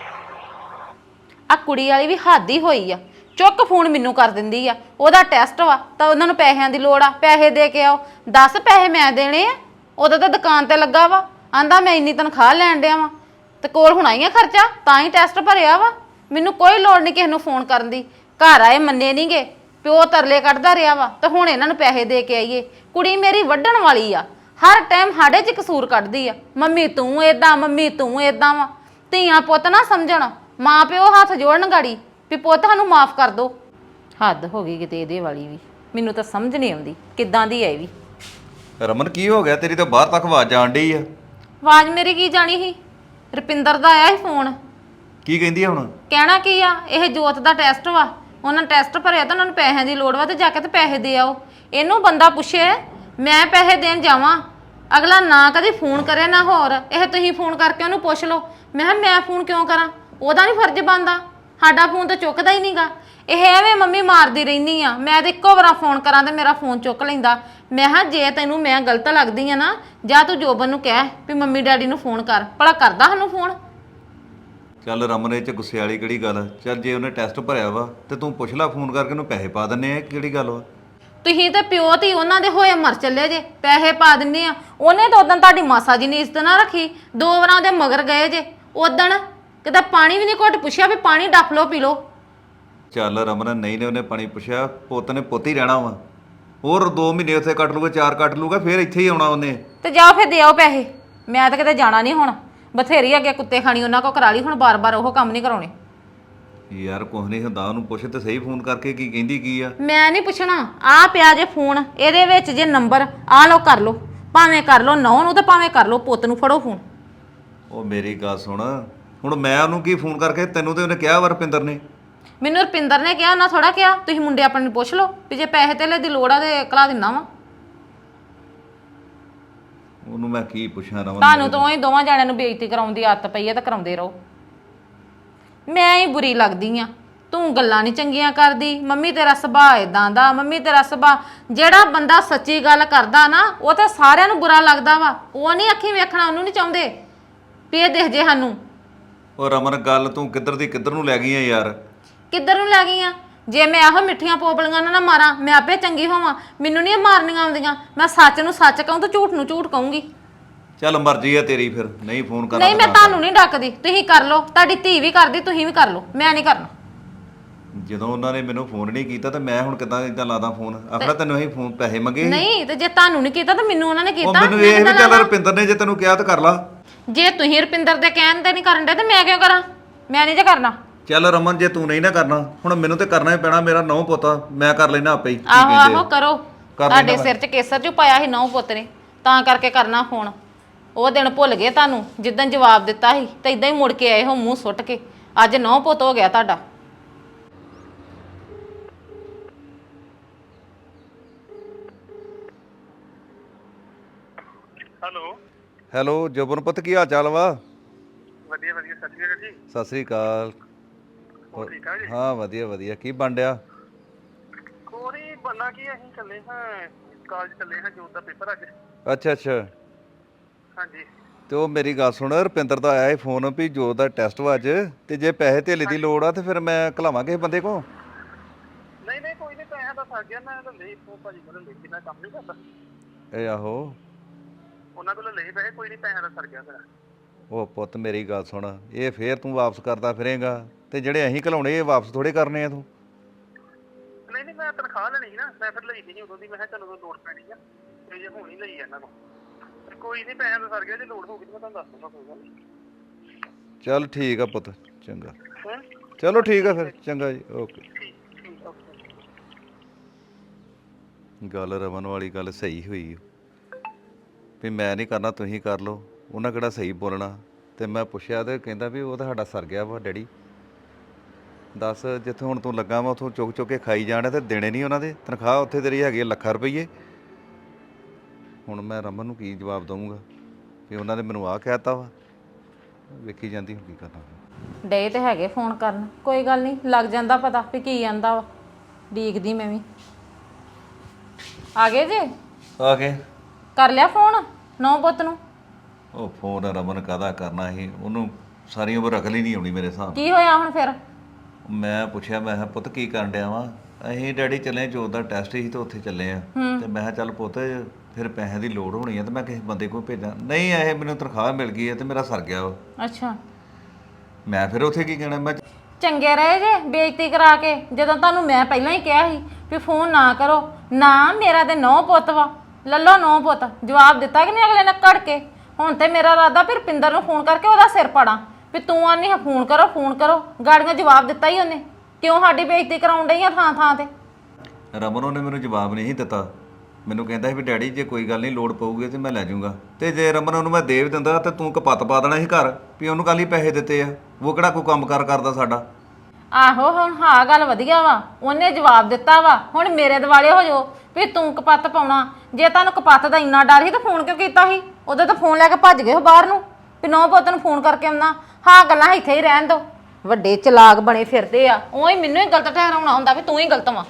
[SPEAKER 6] ਆ ਕੁੜੀ ਵਾਲੀ ਵੀ ਹੱਦ ਹੀ ਹੋਈ ਆ। ਚੁੱਕ ਫੋਨ ਮੈਨੂੰ ਕਰ ਦਿੰਦੀ ਆ। ਉਹਦਾ ਟੈਸਟ ਵਾ ਤਾਂ ਉਹਨਾਂ ਨੂੰ ਪੈਸਿਆਂ ਦੀ ਲੋੜ ਆ, ਪੈਸੇ ਦੇ ਕੇ ਆਓ। 10 ਪੈਸੇ ਮੈਂ ਦੇਣੇ ਆ? ਉਹਦਾ ਤਾਂ ਦੁਕਾਨ ਤੇ ਲੱਗਾ ਵਾ, ਆਂਦਾ ਮੈਂ ਇੰਨੀ ਤਨਖਾਹ ਲੈਣ ਡਿਆ ਵਾ ਤੇ ਕੋਲ ਹੋਣਾ ਹੀ ਆ ਖਰਚਾ, ਤਾਂ ਹੀ ਟੈਸਟ ਭਰਿਆ ਵਾ। ਮੈਨੂੰ ਕੋਈ ਲੋੜ ਨਹੀਂ ਕਿਸੇ ਨੂੰ ਫੋਨ ਕਰਨ ਦੀ। ਘਰ ਆਏ ਮੰਨੇ ਨਹੀਂਗੇ, ਪਿਓ ਤਰਲੇ ਕੱਢਦਾ ਰਿਹਾ ਵਾ ਤੇ ਹੁਣ ਇਹਨਾਂ ਨੂੰ ਪੈਸੇ ਦੇ ਕੇ ਆਈਏ। ਕੁੜੀ ਮੇਰੀ ਵੱਢਣ ਵਾਲੀ ਆ, ਹਰ ਟਾਈਮ ਸਾਡੇ 'ਚ ਕਸੂਰ ਕੱਢਦੀ ਆ। ਮੰਮੀ ਤੂੰ ਏਦਾਂ, ਮੰਮੀ ਤੂੰ ਏਦਾਂ ਵਾ। ਧੀਆਂ ਪੁੱਤ ਨਾ ਸਮਝਣ, ਮਾਂ ਪਿਓ ਹੱਥ ਜੋੜਨ ਗਾੜੀ ਵੀ ਪੁੱਤ ਸਾਨੂੰ ਮਾਫ ਕਰ ਦੋ। ਹੱਦ ਹੋ ਗਈ ਕਿਤੇ ਇਹਦੇ ਵਾਲੀ ਵੀ। ਮੈਨੂੰ ਤਾਂ ਸਮਝ ਨਹੀਂ ਆਉਂਦੀ ਕਿੱਦਾਂ ਦੀ ਹੈ ਇਹ ਵੀ।
[SPEAKER 7] ਰਮਨ ਕੀ ਹੋ ਗਿਆ? ਤੇਰੀ ਤਾਂ ਬਾਹਰ ਤੱਕ ਆਵਾਜ਼ ਆਣ ਡਈ ਆ।
[SPEAKER 6] ਆਵਾਜ਼ ਮੇਰੀ ਕੀ ਜਾਣੀ ਸੀ? ਰੁਪਿੰਦਰ ਦਾ ਆਇਆ ਸੀ ਫੋਨ।
[SPEAKER 7] ਕੀ ਕਹਿੰਦੀ ਆ ਹੁਣ?
[SPEAKER 6] ਕਹਿਣਾ ਕੀ ਆ, ਇਹ ਜੋਤ ਦਾ ਟੈਸਟ ਵਾ, ਉਹਨਾਂ ਟੈਸਟ ਭਰਿਆ ਤਾਂ ਉਹਨਾਂ ਨੂੰ ਪੈਸਿਆਂ ਦੀ ਲੋੜ ਵਾ ਤੇ ਜਾ ਕੇ ਤੇ ਪੈਸੇ ਦੇ ਆਓ। ਇਹਨੂੰ ਬੰਦਾ ਪੁੱਛੇ ਮੈਂ ਪੈਸੇ ਦੇਣ ਜਾਵਾਂ, ਅਗਲਾ ਨਾ ਕਦੀ ਫੋਨ ਕਰੇ ਨਾ ਹੋਰ। ਇਹ ਤੁਸੀਂ ਫੋਨ ਕਰਕੇ ਉਹਨੂੰ ਪੁੱਛ ਲਓ। ਮੈਂ ਕਿਹਾ ਮੈਂ ਫੋਨ ਕਿਉਂ ਕਰਾਂ? ਉਹਦਾ ਨਹੀਂ ਫਰਜ਼ ਬਣਦਾ? ਸਾਡਾ ਫੋਨ ਤਾਂ ਚੁੱਕਦਾ ਹੀ ਨਹੀਂਗਾ। ਇਹ ਐਵੇਂ ਮੰਮੀ ਮਾਰਦੀ ਰਹਿੰਦੀ ਆ। ਮੈਂ ਤੇ ਇੱਕੋ ਵਾਰ ਫੋਨ ਕਰਾਂ ਤੇ ਮੇਰਾ ਫੋਨ ਚੁੱਕ ਲੈਂਦਾ। ਮੈਂ ਕਿਹਾ ਜੇ ਤੈਨੂੰ ਮੈਂ ਗਲਤ ਲੱਗਦੀ ਆ ਨਾ, ਜਾਂ ਤੂੰ ਜੋਬਨ ਨੂੰ ਕਹਿ ਵੀ ਮੰਮੀ ਡੈਡੀ ਨੂੰ ਫੋਨ ਕਰ, ਭਲਾ ਕਰਦਾ ਸਾਨੂੰ ਫੋਨ?
[SPEAKER 7] ਚੱਲ ਰਮਨ, ਇਹ ਚ ਗੁੱਸੇ ਵਾਲੀ ਕਿਹੜੀ ਗੱਲ ਆ? ਚੱਲ ਜੇ ਉਹਨੇ ਟੈਸਟ ਭਰਿਆ ਵਾ ਤੇ ਤੂੰ ਪੁੱਛ ਲੈ ਫੋਨ ਕਰਕੇ, ਉਹਨੂੰ ਪੈਸੇ ਪਾ ਦਿੰਨੇ ਆ। ਕਿਹੜੀ ਗੱਲ ਵਾ?
[SPEAKER 6] ਤੁਸੀਂ ਤੇ ਪਿਓ ਧੀ ਉਹਨਾਂ ਦੇ ਹੋਏ ਮਰ ਚੱਲੇ ਜੇ, ਪੈਸੇ ਪਾ ਦਿੰਨੇ ਆ। ਉਹਨੇ ਤਾਂ ਉਦੋਂ ਤੁਹਾਡੀ ਮਾਸਾ ਜੀ ਨੇ ਇੱਜ਼ਤ ਨਾ ਰੱਖੀ, 2 ਵਾਰਾਂ ਉਹਦੇ ਮਗਰ ਗਏ ਜੇ। ਉਦਣ ਕਿਤੇ ਪਾਣੀ ਵੀ ਨਹੀਂ ਘੁੱਟ ਪੁੱਛਿਆ ਵੀ ਪਾਣੀ ਡੱਫ ਲਓ ਪੀ ਲਓ।
[SPEAKER 7] ਚੱਲ ਰਮਨ, ਨਹੀਂ ਨੇ ਉਹਨੇ ਪਾਣੀ ਪੁੱਛਿਆ, ਪੁੱਤ ਨੇ ਪੁੱਤ ਹੀ ਰਹਿਣਾ ਵਾ। ਹੋਰ 2 ਮਹੀਨੇ ਉੱਥੇ ਕੱਟ ਲੂਗਾ, 4 ਕੱਟ ਲੂਗਾ, ਫਿਰ ਇੱਥੇ ਹੀ ਆਉਣਾ ਉਹਨੇ।
[SPEAKER 6] ਤੇ ਜਾਓ ਫਿਰ ਦੇ ਆਓ ਪੈਸੇ। ਮੈਂ ਤਾਂ ਕਿਤੇ ਜਾਣਾ ਨਹੀਂ ਹੁਣ। ਬਥੇਰੀ ਅੱਗੇ ਕੁੱਤੇ ਖਾਣੀ ਉਹਨਾਂ ਕੋ ਕਰਾ ਲਈ, ਹੁਣ ਬਾਰ-ਬਾਰ ਉਹ ਕੰਮ ਨਹੀਂ ਕਰਾਉਣੇ।
[SPEAKER 7] ਯਾਰ ਕੁਛ ਨਹੀਂ ਹੁੰਦਾ, ਉਹਨੂੰ ਪੁੱਛ ਤੇ ਸਹੀ ਫੋਨ ਕਰਕੇ ਕੀ ਕਹਿੰਦੀ ਕੀ ਆ।
[SPEAKER 6] ਮੈਂ ਨਹੀਂ ਪੁੱਛਣਾ। ਆਹ ਪਿਆ ਜੇ ਫੋਨ, ਇਹਦੇ ਵਿੱਚ ਜੇ ਨੰਬਰ ਆ ਲਓ, ਕਰ ਲਓ, ਭਾਵੇਂ ਕਰ ਲਓ ਨੌਂ ਨੂੰ ਤੇ ਭਾਵੇਂ ਕਰ ਲਓ ਪੁੱਤ ਨੂੰ। ਫੜੋ ਫੋਨ।
[SPEAKER 7] ਉਹ ਮੇਰੀ ਗੱਲ ਸੁਣ, ਹੁਣ ਮੈਂ ਉਹਨੂੰ ਕੀ ਫੋਨ ਕਰਕੇ? ਤੈਨੂੰ ਤੇ ਉਹਨੇ ਕਿਹਾ ਵਾ ਰੁਪਿੰਦਰ ਨੇ।
[SPEAKER 6] ਮੈਨੂੰ ਰੁਪਿੰਦਰ ਨੇ ਕਿਹਾ, ਉਹਨਾਂ ਥੋੜਾ ਕਿਹਾ। ਤੁਸੀਂ ਮੁੰਡੇ ਆਪਣੇ ਨੂੰ ਪੁੱਛ ਲਓ ਵੀ ਜੇ ਪੈਸੇ ਧੇਲੇ ਦੀ ਲੋੜ ਆ ਤੇ ਕਲਾ ਦਿੰਦਾ ਵਾ।
[SPEAKER 7] ਉਹਨੂੰ ਮੈਂ ਕੀ ਪੁੱਛਾਂ ਰਮਨ?
[SPEAKER 6] ਤੁਹਾਨੂੰ ਤਾਂ ਹੀ ਦੋਵਾਂ ਜਾਣਿਆਂ ਨੂੰ ਬੇਇੱਜ਼ਤੀ ਕਰਾਉਣ ਦੀ ਆਦਤ ਪਈ ਹੈ ਤਾਂ ਕਰਾਉਂਦੇ ਰਹੋ। ਮੈਂ ਹੀ ਬੁਰੀ ਲੱਗਦੀ ਆ। ਤੂੰ ਗੱਲਾਂ ਨਹੀਂ ਚੰਗੀਆਂ ਕਰਦੀ, ਮੰਮੀ ਤੇਰਾ ਸੁਭਾਅ ਇਦਾਂ ਦਾ, ਮੰਮੀ ਤੇਰਾ ਸੁਭਾਅ। ਜਿਹੜਾ ਬੰਦਾ ਸੱਚੀ ਗੱਲ ਕਰਦਾ ਨਾ ਉਹ ਤਾਂ ਸਾਰਿਆਂ ਨੂੰ ਬੁਰਾ ਲੱਗਦਾ ਵਾ, ਉਹ ਨਹੀਂ ਅੱਖੀਂ ਵੇਖਣਾ, ਉਹਨੂੰ ਨਹੀਂ ਚਾਹੁੰਦੇ ਵੀ ਇਹ ਦਿਖ ਜੇ ਸਾਨੂੰ।
[SPEAKER 7] ਉਹ ਰਮਨ ਗੱਲ ਤੂੰ ਕਿੱਧਰ ਦੀ ਕਿੱਧਰ ਨੂੰ ਲੈ ਗਈ ਆ ਯਾਰ।
[SPEAKER 6] ਕਿੱਧਰ ਨੂੰ ਲੈ ਗਈ ਆ? ਜੇ ਮੈਂ ਇਹੋ ਮਿੱਠੀਆਂ ਪੋਪਲੀਆਂ ਨਾ ਮਾਰਾਂ, ਮੈਂ ਆਪੇ ਚੰਗੀ ਹੋਵਾਂ। ਮੈਨੂੰ ਨਹੀਂ ਮਾਰਨੀਆਂ ਆਉਂਦੀਆਂ। ਮੈਂ ਸੱਚ ਨੂੰ ਸੱਚ ਕਹੂੰ ਤੇ ਝੂਠ ਨੂੰ ਝੂਠ ਕਹੂੰਗੀ।
[SPEAKER 7] ਚੱਲ ਮਰਜ਼ੀ ਆ ਤੇਰੀ, ਫਿਰ ਨਹੀਂ ਫੋਨ ਕਰਨਾ
[SPEAKER 6] ਨਹੀਂ, ਮੈਂ ਤੁਹਾਨੂੰ ਨਹੀਂ ਡੱਕਦੀ, ਤੁਸੀਂ ਕਰ ਲਓ। ਤੁਹਾਡੀ ਧੀ ਵੀ ਕਰਦੀ, ਤੁਸੀਂ ਵੀ ਕਰ ਲਓ, ਮੈਂ ਨਹੀਂ ਕਰਨਾ।
[SPEAKER 7] ਜਦੋਂ ਉਹਨਾਂ ਨੇ ਮੈਨੂੰ ਫੋਨ ਨਹੀਂ ਕੀਤਾ ਤੇ ਮੈਂ ਹੁਣ ਕਿੱਦਾਂ ਇਦਾਂ ਲਾਦਾ ਫੋਨ? ਆਖੜਾ ਤੈਨੂੰ ਅਸੀਂ ਫੋਨ ਪੈਸੇ ਮੰਗੇ ਸੀ।
[SPEAKER 6] ਨਹੀਂ ਤੇ ਜੇ ਤੁਹਾਨੂੰ ਨਹੀਂ ਕੀਤਾ ਤਾਂ ਮੈਨੂੰ ਉਹਨਾਂ ਨੇ
[SPEAKER 7] ਉਹ
[SPEAKER 6] ਕੀਤਾ।
[SPEAKER 7] ਮੈਨੂੰ ਇਹ ਵੀ ਚੱਲ ਰੁਪਿੰਦਰ ਨੇ ਜੇ ਤੈਨੂੰ ਕਿਹਾ ਤਾਂ ਕਰ ਲਾ।
[SPEAKER 6] ਜੇ ਤੁਸੀਂ ਰੁਪਿੰਦਰ ਦੇ ਕਹਿਣ ਤੇ ਨਹੀਂ ਕਰਨ ਦੇ ਤੇ ਮੈਂ ਕਿਉਂ ਕਰਾਂ? ਮੈਂ ਨਹੀਂ ਜੇ ਕਰਨਾ।
[SPEAKER 7] ਚੱਲ ਰਮਨ ਜੇ ਤੂੰ ਨਹੀਂ ਨਾ ਕਰਨਾ, ਹੁਣ ਮੈਨੂੰ ਤੇ ਕਰਨਾ ਹੀ ਪੈਣਾ। ਮੇਰਾ ਨੌ ਪੁੱਤ ਮੈਂ ਕਰ ਲੈਣਾ ਆਪੇ ਹੀ।
[SPEAKER 6] ਆਹੋ ਆਹੋ ਕਰੋ। ਤੁਹਾਡੇ ਸਿਰ 'ਚ ਕੇਸਰ 'ਚ ਪਾਇਆ ਸੀ ਨੌ ਪੁੱਤ ਨੇ, ਤਾਂ ਕਰਕੇ ਕਰਨਾ ਫੋਨ। ਉਹ ਦਿਨ ਭੁੱਲ ਗਏ ਤੁਹਾਨੂੰ ਜਿੱਦਣ ਜਵਾਬ ਦਿੱਤਾ ਸੀ, ਤੇ ਇਦਾਂ ਹੀ ਮੁੜ ਕੇ ਆਏ ਹੋ ਮੂੰਹ ਸੁੱਟ ਕੇ। ਅੱਜ ਨੌ ਪੁੱਤ ਹੋ ਗਿਆ ਤੁਹਾਡਾ।
[SPEAKER 2] ਹੈਲੋ
[SPEAKER 7] ਹੈਲੋ ਜੋਬਨ ਪੁੱਤ, ਕੀ ਹਾਲ ਚਾਲ ਵਾ?
[SPEAKER 2] ਵਧੀਆ ਵਧੀਆ, ਸਤਿ ਸ਼੍ਰੀ ਅਕਾਲ ਜੀ।
[SPEAKER 7] ਸਤਿ ਸ੍ਰੀ ਅਕਾਲ।
[SPEAKER 2] ਹੋਰ ਠੀਕ ਆ ਜੀ?
[SPEAKER 7] ਹਾਂ ਵਧੀਆ ਵਧੀਆ। ਕੀ ਬਣ ਡਿਆ?
[SPEAKER 2] ਕੋਈ ਬੰਨਾ ਕੀ, ਅਸੀਂ ਚੱਲੇ ਹਾਂ ਕਾਲਜ, ਚੱਲੇ ਹਾਂ ਜੋਤ ਦਾ ਪੇਪਰ ਅੱਜ।
[SPEAKER 7] ਅੱਛਾ ਅੱਛਾ।
[SPEAKER 2] ਹਾਂਜੀ।
[SPEAKER 7] ਤੇ ਉਹ ਮੇਰੀ ਗੱਲ ਸੁਣ, ਰੁਪਿੰਦਰ ਦਾ ਆਇਆ ਸੀ ਫੋਨ ਵੀ ਜੋਤ ਦਾ ਟੈਸਟ ਵਾ ਅੱਜ, ਤੇ ਜੇ ਪੈਸੇ ਧੇਲੇ ਦੀ ਲੋੜ ਆ ਤੇ ਫਿਰ ਮੈਂ ਘਲਾਵਾਂ ਕਿਸੇ ਬੰਦੇ ਕੋਲ।
[SPEAKER 2] ਨਹੀਂ ਨਹੀਂ ਕੋਈ ਨਹੀਂ, ਪੈਸਿਆਂ ਦਾ ਸਰ ਗਿਆ। ਮੈਂ ਤਾਂ ਲਈ ਭਾਜੀ ਕੋਲ ਲਈ ਸੀ, ਮੈਂ ਕੰਮ ਨਹੀਂ ਕਰਦਾ।
[SPEAKER 7] ਇਹ ਆਹੋ।
[SPEAKER 2] ਉਹਨਾਂ ਕੋਲ ਲਈ ਪੈਸੇ, ਕੋਈ ਨਹੀਂ, ਪੈਸਿਆਂ ਦਾ ਸਰ ਗਿਆ ਮੇਰਾ।
[SPEAKER 7] ਉਹ ਪੁੱਤ ਮੇਰੀ ਗੱਲ ਸੁਣ, ਇਹ ਫੇਰ ਤੂੰ ਵਾਪਸ ਕਰਦਾ ਫਿਰੇਗਾ, ਤੇ ਜਿਹੜੇ ਅਸੀਂ ਘਲਾਉਣੇ ਇਹ ਵਾਪਸ ਥੋੜੇ ਕਰਨੇ ਆ ਤੂੰ।
[SPEAKER 2] ਨਹੀਂ ਨਹੀਂ, ਮੈਂ ਤਨਖਾਹ ਲੈਣੀ ਸੀ ਨਾ, ਮੈਂ ਫਿਰ ਲਈ ਨਹੀਂ ਉਦੋਂ ਦੀ। ਮੈਂ ਕਿਹਾ ਚਲੋ ਉਦੋਂ ਲੋੜ ਪੈਣੀ ਆ, ਤੇ ਜੇ ਹੁਣ ਹੀ ਲਈ ਇਹਨਾਂ ਨੂੰ। ਕੋਈ ਨਹੀਂ, ਪੈਸਿਆਂ ਦਾ ਸਰ ਗਿਆ। ਜੇ ਲੋੜ ਹੋਊਗੀ ਤਾਂ ਮੈਂ ਤੁਹਾਨੂੰ ਦੱਸ ਦੂੰਗਾ, ਕੋਈ ਗੱਲ ਨਹੀਂ।
[SPEAKER 7] ਚੱਲ ਠੀਕ ਆ ਪੁੱਤ, ਚੰਗਾ।
[SPEAKER 2] ਹੈਂ?
[SPEAKER 7] ਚਲੋ ਠੀਕ ਆ ਫਿਰ, ਚੰਗਾ ਜੀ, ਓਕੇ।
[SPEAKER 2] ਠੀਕ ਓਕੇ।
[SPEAKER 7] ਗੱਲ ਰਮਨ ਵਾਲੀ ਗੱਲ ਸਹੀ ਹੋਈ ਵੀ ਮੈਂ ਨਹੀਂ ਕਰਨਾ, ਤੁਸੀਂ ਕਰ ਲਓ। ਉਹਨਾਂ ਕਿਹੜਾ ਸਹੀ ਬੋਲਣਾ। ਤੇ ਮੈਂ ਪੁੱਛਿਆ ਤੇ ਕਹਿੰਦਾ ਵੀ ਉਹ ਤਾਂ ਸਾਡਾ ਸਰ ਗਿਆ ਵਾ ਡੈਡੀ। ਦੱਸ, ਜਿੱਥੇ ਹੁਣ ਤੂੰ ਲੱਗਾ ਵਾ ਉੱਥੋਂ ਚੁੱਕ ਚੁੱਕ ਕੇ ਖਾਈ ਜਾਣਾ ਤੇ ਦੇਣੇ ਨਹੀਂ ਉਹਨਾਂ ਦੇ। ਤਨਖਾਹ ਉੱਥੇ ਤੇਰੀ ਹੈਗੀ ਲੱਖਾਂ ਰੁਪਈਏ। ਹੁਣ ਮੈਂ ਰਮਨ ਨੂੰ ਕੀ ਜਵਾਬ ਦਊਂਗਾ ਵੀ ਉਹਨਾਂ ਨੇ ਮੈਨੂੰ ਆਹ ਕਹਿਤਾ ਵਾ? ਵੇਖੀ ਜਾਂਦੀ ਹੁਣ ਕੀ ਕਰਨਾ।
[SPEAKER 6] ਡੇ ਤੇ ਹੈਗੇ ਫੋਨ ਕਰਨ, ਕੋਈ ਗੱਲ ਨਹੀਂ, ਲੱਗ ਜਾਂਦਾ ਪਤਾ ਵੀ ਕੀ ਆਂਦਾ ਵਾ। ਡੀਕਦੀ ਮੈਂ ਵੀ। ਆ ਗਏ ਜੇ?
[SPEAKER 7] ਆ ਕੇ
[SPEAKER 6] ਕਰ ਲਿਆ ਫੋਨ ਨੌ ਪੁੱਤ ਨੂੰ?
[SPEAKER 7] ਉਹ ਫੋਨ ਰਮਨ ਕਾਹਦਾ ਕਰਨਾ ਸੀ, ਉਹਨੂੰ ਸਾਰੀ ਉਮਰ ਅਕਲ ਹੀ ਨਹੀਂ ਆਉਣੀ ਮੇਰੇ ਹਿਸਾਬ ਨਾਲ।
[SPEAKER 6] ਕੀ ਹੋਇਆ ਹੁਣ ਫਿਰ?
[SPEAKER 7] ਮੈਂ ਪੁੱਛਿਆ, ਮੈਂ ਕਿਹਾ ਪੁੱਤ ਕੀ ਕਰਨ ਡਿਆ ਵਾ? ਅਸੀਂ ਡੈਡੀ ਚੱਲੇ, ਜੋਤ ਦਾ ਟੈਸਟ ਸੀ ਤੇ ਉੱਥੇ ਚੱਲੇ ਆ। ਤੇ ਮੈਂ ਕਿਹਾ ਚੱਲ ਪੁੱਤ ਫਿਰ ਪੈਸੇ ਦੀ ਲੋੜ ਹੋਣੀ ਆ ਤੇ ਮੈਂ ਕਿਸੇ ਬੰਦੇ ਕੋਲ ਭੇਜਾਂ। ਨਹੀਂ, ਇਹ ਮੈਨੂੰ ਤਨਖਾਹ ਮਿਲ ਗਈ ਹੈ ਤੇ ਮੇਰਾ ਸਰ ਗਿਆ ਵਾ।
[SPEAKER 6] ਅੱਛਾ।
[SPEAKER 7] ਮੈਂ ਫਿਰ ਉੱਥੇ ਕੀ ਕਹਿਣਾ? ਮੈਂ
[SPEAKER 6] ਚੰਗੇ ਰਹੇ ਜੇ ਬੇਇੱਜ਼ਤੀ ਕਰਾ ਕੇ, ਜਦੋਂ ਤੁਹਾਨੂੰ ਮੈਂ ਪਹਿਲਾਂ ਹੀ ਕਿਹਾ ਸੀ ਵੀ ਫੋਨ ਨਾ ਕਰੋ। ਨਾ, ਮੇਰਾ ਤੇ ਨੌ ਪੁੱਤ ਵਾ, ਲੱਲੋ ਨੌ ਪੁੱਤ। ਜਵਾਬ ਦਿੱਤਾ ਕਿ ਨਹੀਂ ਅਗਲੇ ਨੇ ਕੱਢ ਕੇ? ਹੁਣ ਤੇ ਮੇਰਾ ਇਰਾਦਾ ਫਿਰ ਰੁਪਿੰਦਰ ਨੂੰ ਫੋਨ ਕਰਕੇ ਉਹਦਾ ਸਿਰ ਪਾੜਾਂ ਵੀ ਤੂੰ ਆਨੀ ਹੈ ਫੋਨ ਕਰੋ ਫੋਨ ਕਰੋ। ਗਾੜੀਆਂ ਜਵਾਬ ਦਿੱਤਾ ਹੀ ਉਹਨੇ। ਕਿਉਂ ਸਾਡੀ ਬੇਇੱਜ਼ਤੀ ਕਰਾਉਣ ਡਈ ਆ ਥਾਂ ਥਾਂ ਤੇ?
[SPEAKER 7] ਰਮਨ ਉਹਨੇ ਮੈਨੂੰ ਜਵਾਬ ਨਹੀਂ ਦਿੱਤਾ। ਮੈਨੂੰ ਕਹਿੰਦਾ ਸੀ ਵੀ ਡੈਡੀ ਜੇ ਕੋਈ ਗੱਲ ਨਹੀਂ ਲੋੜ ਪਊਗੀ ਤੇ ਮੈਂ ਲੈ ਜਾਊਂਗਾ। ਤੇ ਜੇ ਰਮਨ ਉਹਨੂੰ ਮੈਂ ਦੇ ਵੀ ਦਿੰਦਾ ਤੇ ਤੂੰ ਕਪੱਤ ਪਾ ਦੇਣਾ ਸੀ ਘਰ ਵੀ ਉਹਨੂੰ ਕੱਲ ਹੀ ਪੈਸੇ ਦਿੱਤੇ ਆ। ਉਹ ਕਿਹੜਾ ਕੋਈ ਕੰਮ ਕਾਰ ਕਰਦਾ ਸਾਡਾ?
[SPEAKER 6] ਆਹੋ, ਹੁਣ ਹਾਂ ਗੱਲ ਵਧੀਆ ਵਾ, ਉਹਨੇ ਜਵਾਬ ਦਿੱਤਾ ਵਾ। ਹੁਣ ਮੇਰੇ ਦਿਵਾਲੇ ਹੋ ਜਾਓ ਵੀ ਤੂੰ ਕਪੱਤ ਪਾਉਣਾ। ਜੇ ਤੁਹਾਨੂੰ ਕਪੱਤ ਦਾ ਇੰਨਾ ਡਰ ਸੀ ਤਾਂ ਫੋਨ ਕਿਉਂ ਕੀਤਾ ਸੀ? ਉਦੋਂ ਤਾਂ ਫੋਨ ਲੈ ਕੇ ਭੱਜ ਗਏ ਹੋ ਬਾਹਰ ਨੂੰ ਵੀ ਨੌ ਪੁੱਤ ਨੂੰ ਫੋਨ ਕਰਕੇ ਆਉਣਾ। ਹਾਂ, ਗੱਲਾਂ ਇੱਥੇ ਹੀ ਰਹਿਣ ਦੋ। ਵੱਡੇ ਚਲਾਕ ਬਣੇ ਫਿਰਦੇ ਆ। ਉਹ ਹੀ ਮੈਨੂੰ ਹੀ ਗਲਤ ਠਹਿਰਾਉਣਾ ਹੁੰਦਾ ਵੀ ਤੂੰ ਹੀ ਗਲਤ ਵਾ।